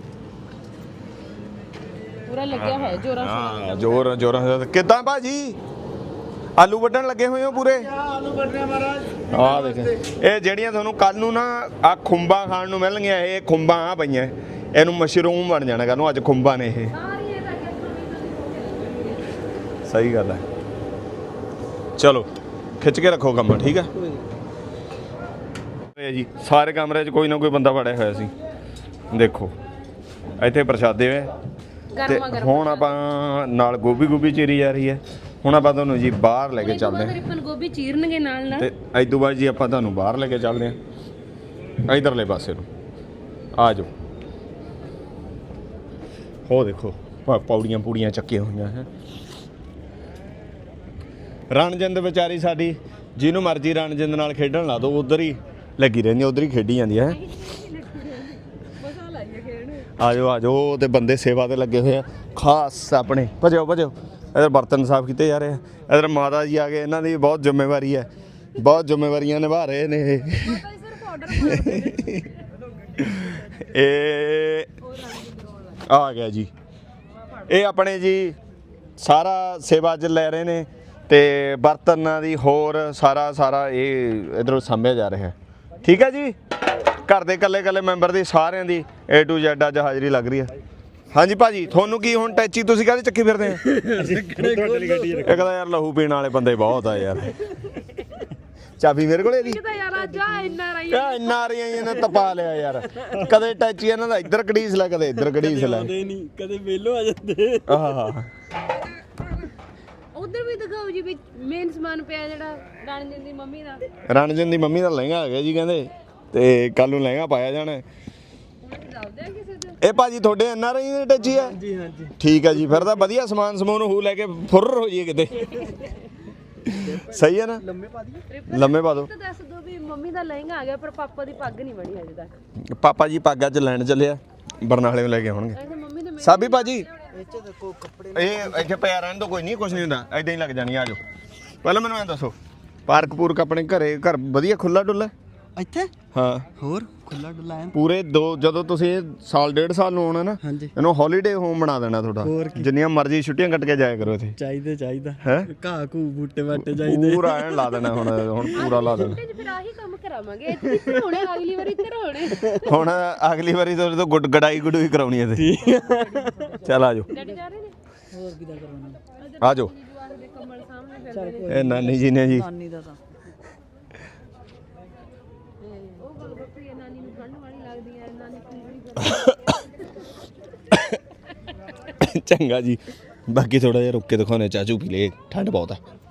[SPEAKER 3] ਪੂਰਾ ਲੱਗਿਆ ਹੋਇਆ ਜੋਰਾਂ
[SPEAKER 1] ਹਾਂ, ਜੋਰ ਜੋਰਾਂ। ਕਿੱਦਾਂ ਭਾਜੀ ਆਲੂ ਵੱਢਣ ਲੱਗੇ ਹੋਏ ਹੋ ਪੂਰੇ?
[SPEAKER 4] ਆਲੂ ਵੱਢਣੇ ਮਹਾਰਾਜ।
[SPEAKER 1] ਆਹ ਦੇਖ, ਇਹ ਜਿਹੜੀਆਂ ਤੁਹਾਨੂੰ ਕੱਲ ਨੂੰ ਨਾ ਆ ਖੁੰਬਾਂ ਖਾਣ ਨੂੰ ਮਿਲਣਗੀਆਂ, ਇਹ ਖੁੰਬਾਂ ਆ ਪਈਆਂ, ਇਹਨੂੰ ਮਸ਼ਰੂਮ ਬਣ ਜਾਣਾ ਕੱਲ ਨੂੰ। ਅੱਜ ਖੁੰਬਾਂ ਨੇ ਇਹ। ਸਹੀ ਗੱਲ ਹੈ। ਚਲੋ ਖਿੱਚ ਕੇ ਰੱਖੋ ਕੰਮ, ਠੀਕ ਹੈ ਜੀ। ਸਾਰੇ ਕਮਰੇ 'ਚ ਕੋਈ ਨਾ ਕੋਈ ਬੰਦਾ ਵੜਿਆ ਹੋਇਆ ਸੀ। ਦੇਖੋ ਇੱਥੇ ਪ੍ਰਸ਼ਾਦੇ ਹੋਏ ਤੇ ਹੁਣ ਆਪਾਂ ਨਾਲ ਗੋਭੀ ਗੋਭੀ ਚੀਰੀ ਜਾ ਰਹੀ ਹੈ। ਹੁਣ ਆਪਾਂ ਤੁਹਾਨੂੰ ਜੀ ਬਾਹਰ ਲੈ ਕੇ ਚੱਲਦੇ ਹਾਂ,
[SPEAKER 3] ਰਿਪਨ ਗੋਭੀ ਚੀਰਨਗੇ ਨਾਲ ਨਾਲ।
[SPEAKER 1] ਤੇ ਇਸ ਤੋਂ ਬਾਅਦ ਜੀ ਆਪਾਂ ਤੁਹਾਨੂੰ ਬਾਹਰ ਲੈ ਕੇ ਚੱਲਦੇ ਹਾਂ ਇਧਰਲੇ ਪਾਸੇ ਨੂੰ। ਆ ਜਾਓ। ਹੋ ਦੇਖੋ ਪੌੜੀਆਂ ਪੂੜੀਆਂ ਚੱਕੀਆਂ ਹੋਈਆਂ ਹੈ। ਰਣਜਿੰਦ ਵਿਚਾਰੀ ਸਾਡੀ, ਜਿਹਨੂੰ ਮਰਜ਼ੀ ਰਣਜਿੰਦ ਨਾਲ ਖੇਡਣ ਲਾ ਦੋ, ਉਧਰ ਹੀ ਲੱਗੀ ਰਹਿੰਦੀ, ਉਧਰ ਹੀ ਖੇਡੀ ਜਾਂਦੀ ਹੈ। ਆ ਜਾਓ ਆ ਜਾਓ। ਤੇ ਬੰਦੇ ਸੇਵਾ ਤੇ ਲੱਗੇ ਹੋਏ ਆ ਖਾਸ ਆਪਣੇ। ਭਜੋ ਭਜੋ। ਇਧਰ ਬਰਤਨ ਸਾਫ਼ ਕੀਤੇ ਜਾ ਰਹੇ ਆ। ਇਧਰ ਮਾਤਾ ਜੀ ਆ ਗਏ, ਇਹਨਾਂ ਦੀ ਬਹੁਤ ਜ਼ਿੰਮੇਵਾਰੀ ਹੈ, ਬਹੁਤ ਜ਼ਿੰਮੇਵਾਰੀਆਂ ਨਿਭਾ ਰਹੇ ਨੇ ਇਹ। ਇਹ ਆ ਗਿਆ ਜੀ, ਇਹ ਆਪਣੇ ਜੀ ਸਾਰਾ ਸੇਵਾ 'ਚ ਲੈ ਰਹੇ ਨੇ, ਤੇ ਬਰਤਨਾਂ ਦੀ ਹੋਰ ਸਾਰਾ ਸਾਰਾ ਇਹ ਇਧਰੋਂ ਸਾਂਭਿਆ ਜਾ ਰਿਹਾ। ਠੀਕ ਹੈ ਜੀ। ਘਰ ਦੇ ਇਕੱਲੇ ਇਕੱਲੇ ਮੈਂਬਰ ਦੀ ਸਾਰਿਆਂ ਦੀ ਏ ਟੂ ਜ਼ੈਡ ਅੱਜ ਹਾਜ਼ਰੀ ਲੱਗ ਰਹੀ ਹੈ। ਹਾਂਜੀ ਭਾਜੀ, ਤੁਹਾਨੂੰ ਕੀ ਹੁਣ ਟੈਚੀ ਤੁਸੀਂ ਕਾਹਦੇ ਚੱਕੀ ਫਿਰਦੇ ਆ? ਇਹ ਕਹਿੰਦਾ ਯਾਰ ਲਹੂ ਪੀਣ ਵਾਲੇ ਬੰਦੇ ਬਹੁਤ ਆ ਯਾਰ। ਚਾਬੀ ਮੇਰੇ ਕੋਲੇ ਦੀ
[SPEAKER 3] ਯਾਰ ਅੱਜ ਆ ਇੰਨਾ ਰਹੀ
[SPEAKER 1] ਇੰਨਾ ਆ ਰਹੀਆਂ ਇਹਨਾਂ ਤਪਾ ਲਿਆ ਯਾਰ। ਕਦੇ ਟੈਚੀ ਇਹਨਾਂ ਦਾ ਇੱਧਰ ਕੜੀਸ ਲੈ, ਕਦੇ ਇੱਧਰ ਕੜੀਸ ਲੈ।
[SPEAKER 4] ਨਹੀਂ ਕਦੇ ਵੇਲੋ ਆ ਜਾਂਦੇ।
[SPEAKER 1] ਆਹ
[SPEAKER 3] ਉਧਰ ਵੀ ਦਿਖਾਓ ਜੀ ਵੀ ਮੇਨ ਸਮਾਨ ਪਿਆ ਜਿਹੜਾ ਰਣਜਿੰਦ ਦੀ ਮੰਮੀ ਦਾ।
[SPEAKER 1] ਰਣਜਨ ਦੀ ਮੰਮੀ ਦਾ ਲਹਿੰਗਾ ਆ ਗਿਆ ਜੀ ਕਹਿੰਦੇ, ਤੇ ਕੱਲ ਨੂੰ ਲਹਿੰਗਾ ਪਾਇਆ ਜਾਣਾ। ਇਹ ਭਾਜੀ ਤੁਹਾਡੇ ਐਨ ਆਰ ਆਈ ਦੀ ਟੈਚੀ ਆ?
[SPEAKER 4] ਜੀ ਹਾਂਜੀ
[SPEAKER 1] ਠੀਕ ਹੈ ਜੀ, ਫਿਰ ਤਾਂ ਵਧੀਆ ਸਮਾਨ ਸਮੂਨ ਹੋ ਲੈ ਕੇ ਫੁਰਰ ਹੋ ਜਾਈਏ ਕਿਤੇ। ਸਹੀ ਹੈ ਨਾ?
[SPEAKER 4] ਲੰਮੇ ਪਾ ਦਈਏ।
[SPEAKER 1] ਲੰਮੇ ਪਾ ਦੋ।
[SPEAKER 3] ਦੱਸ ਦੋ ਵੀ ਮੰਮੀ ਦਾ ਲਹਿੰਗਾ ਆ ਗਿਆ, ਪਰ ਪਾਪਾ ਦੀ ਪੱਗ ਨਹੀਂ ਬਣੀ ਹਜੇ ਤੱਕ।
[SPEAKER 1] ਪਾਪਾ ਜੀ ਪੱਗ ਅੱਜ ਲੈਣ ਚੱਲਿਆ, ਬਰਨਾਲੇ ਨੂੰ ਲੈ ਕੇ ਆਉਣਗੇ।
[SPEAKER 3] ਐਸੇ ਮੰਮੀ ਦੇ
[SPEAKER 1] ਸਾਬੀ ਭਾਜੀ
[SPEAKER 4] ਇੱਥੇ ਦੇਖੋ ਕੱਪੜੇ
[SPEAKER 1] ਇਹ ਇੱਥੇ ਪਿਆ ਰਹਿਣ ਤੋਂ ਕੋਈ ਨਹੀਂ, ਕੁਝ ਨਹੀਂ ਹੁੰਦਾ, ਐਦਾਂ ਹੀ ਲੱਗ ਜਾਣੀ। ਆ ਜਾਓ। ਪਹਿਲਾਂ ਮੈਨੂੰ ਐਂ ਦੱਸੋ, ਪਾਰਕ ਪੂਰਕ ਆਪਣੇ ਘਰੇ ਘਰ ਵਧੀਆ ਖੁੱਲਾ ਡੁੱਲਾ?
[SPEAKER 4] ਇੱਥੇ
[SPEAKER 1] ਹਾਂ
[SPEAKER 4] ਹੋਰ ਖੁੱਲਾ ਡੁੱਲਾ ਹੈ
[SPEAKER 1] ਪੂਰੇ ਦੋ। ਜਦੋਂ ਤੁਸੀਂ ਸਾਲ ਡੇਢ ਸਾਲ ਨੂੰ ਆਉਣਾ ਨਾ,
[SPEAKER 4] ਹਾਂਜੀ
[SPEAKER 1] ਇਹਨੂੰ ਹੌਲੀਡੇ ਹੋਮ ਬਣਾ ਦੇਣਾ ਤੁਹਾਡਾ। ਜਿੰਨੀਆਂ ਮਰਜ਼ੀ ਛੁੱਟੀਆਂ ਕੱਟ ਕੇ ਜਾਇਆ ਕਰੋ ਇੱਥੇ।
[SPEAKER 4] ਚਾਹੀਦਾ ਚਾਹੀਦਾ
[SPEAKER 1] ਹੈ
[SPEAKER 4] ਘਾਹ ਘੂ ਬੂਟੇ ਬਾਟੇ
[SPEAKER 1] ਪੂਰਾ ਐਨ ਲਾ ਦੇਣਾ ਹੁਣ। ਹੁਣ ਪੂਰਾ ਲਾ ਦੇਣਾ।
[SPEAKER 3] ਫਿਰ ਆਹੀ ਕੰਮ ਕਰਾਵਾਂਗੇ। ਇੱਥੇ ਇੱਥੇ ਹੋਣੇ, ਅਗਲੀ ਵਾਰੀ ਇੱਥੇ ਹੋਣੇ।
[SPEAKER 1] ਹੁਣ ਅਗਲੀ ਵਾਰੀ ਤੁਹਾਡੇ ਤੋਂ ਗੁੱਡ ਗੜਾਈ ਗੁਡੂਈ ਕਰਾਉਣੀ ਹੈ ਤੇ। ਚੱਲ ਆ ਜਾਓ।
[SPEAKER 3] ਡੈਡੀ ਜਾ ਰਹੇ ਨੇ?
[SPEAKER 4] ਹੋਰ ਕਿਦਾਂ ਕਰਾਉਣਾ?
[SPEAKER 1] ਆ ਜਾਓ।
[SPEAKER 3] ਕਮਲ ਸਾਹਮਣੇ ਫਿਰਦੇ
[SPEAKER 1] ਇਹ ਨਾਨੀ ਜੀ ਨੇ ਜੀ।
[SPEAKER 4] ਨਾਨੀ ਦਾ ਤਾਂ
[SPEAKER 3] ਉਹ ਗੱਲ ਬੱਪੀ ਹੈ, ਨਾਨੀ ਨੂੰ ਠੰਡ ਵਾਲੀ ਲੱਗਦੀ ਹੈ, ਨਾਨੀ ਪੂਰੀ
[SPEAKER 1] ਚੰਗਾ ਜੀ, ਬਾਕੀ ਥੋੜਾ ਜਿਹਾ ਰੁੱਕ ਕੇ ਦਿਖਾਉਣੇ, ਚਾਚੂ ਪੀ ਲੈ, ਠੰਡ ਬਹੁਤ ਆ।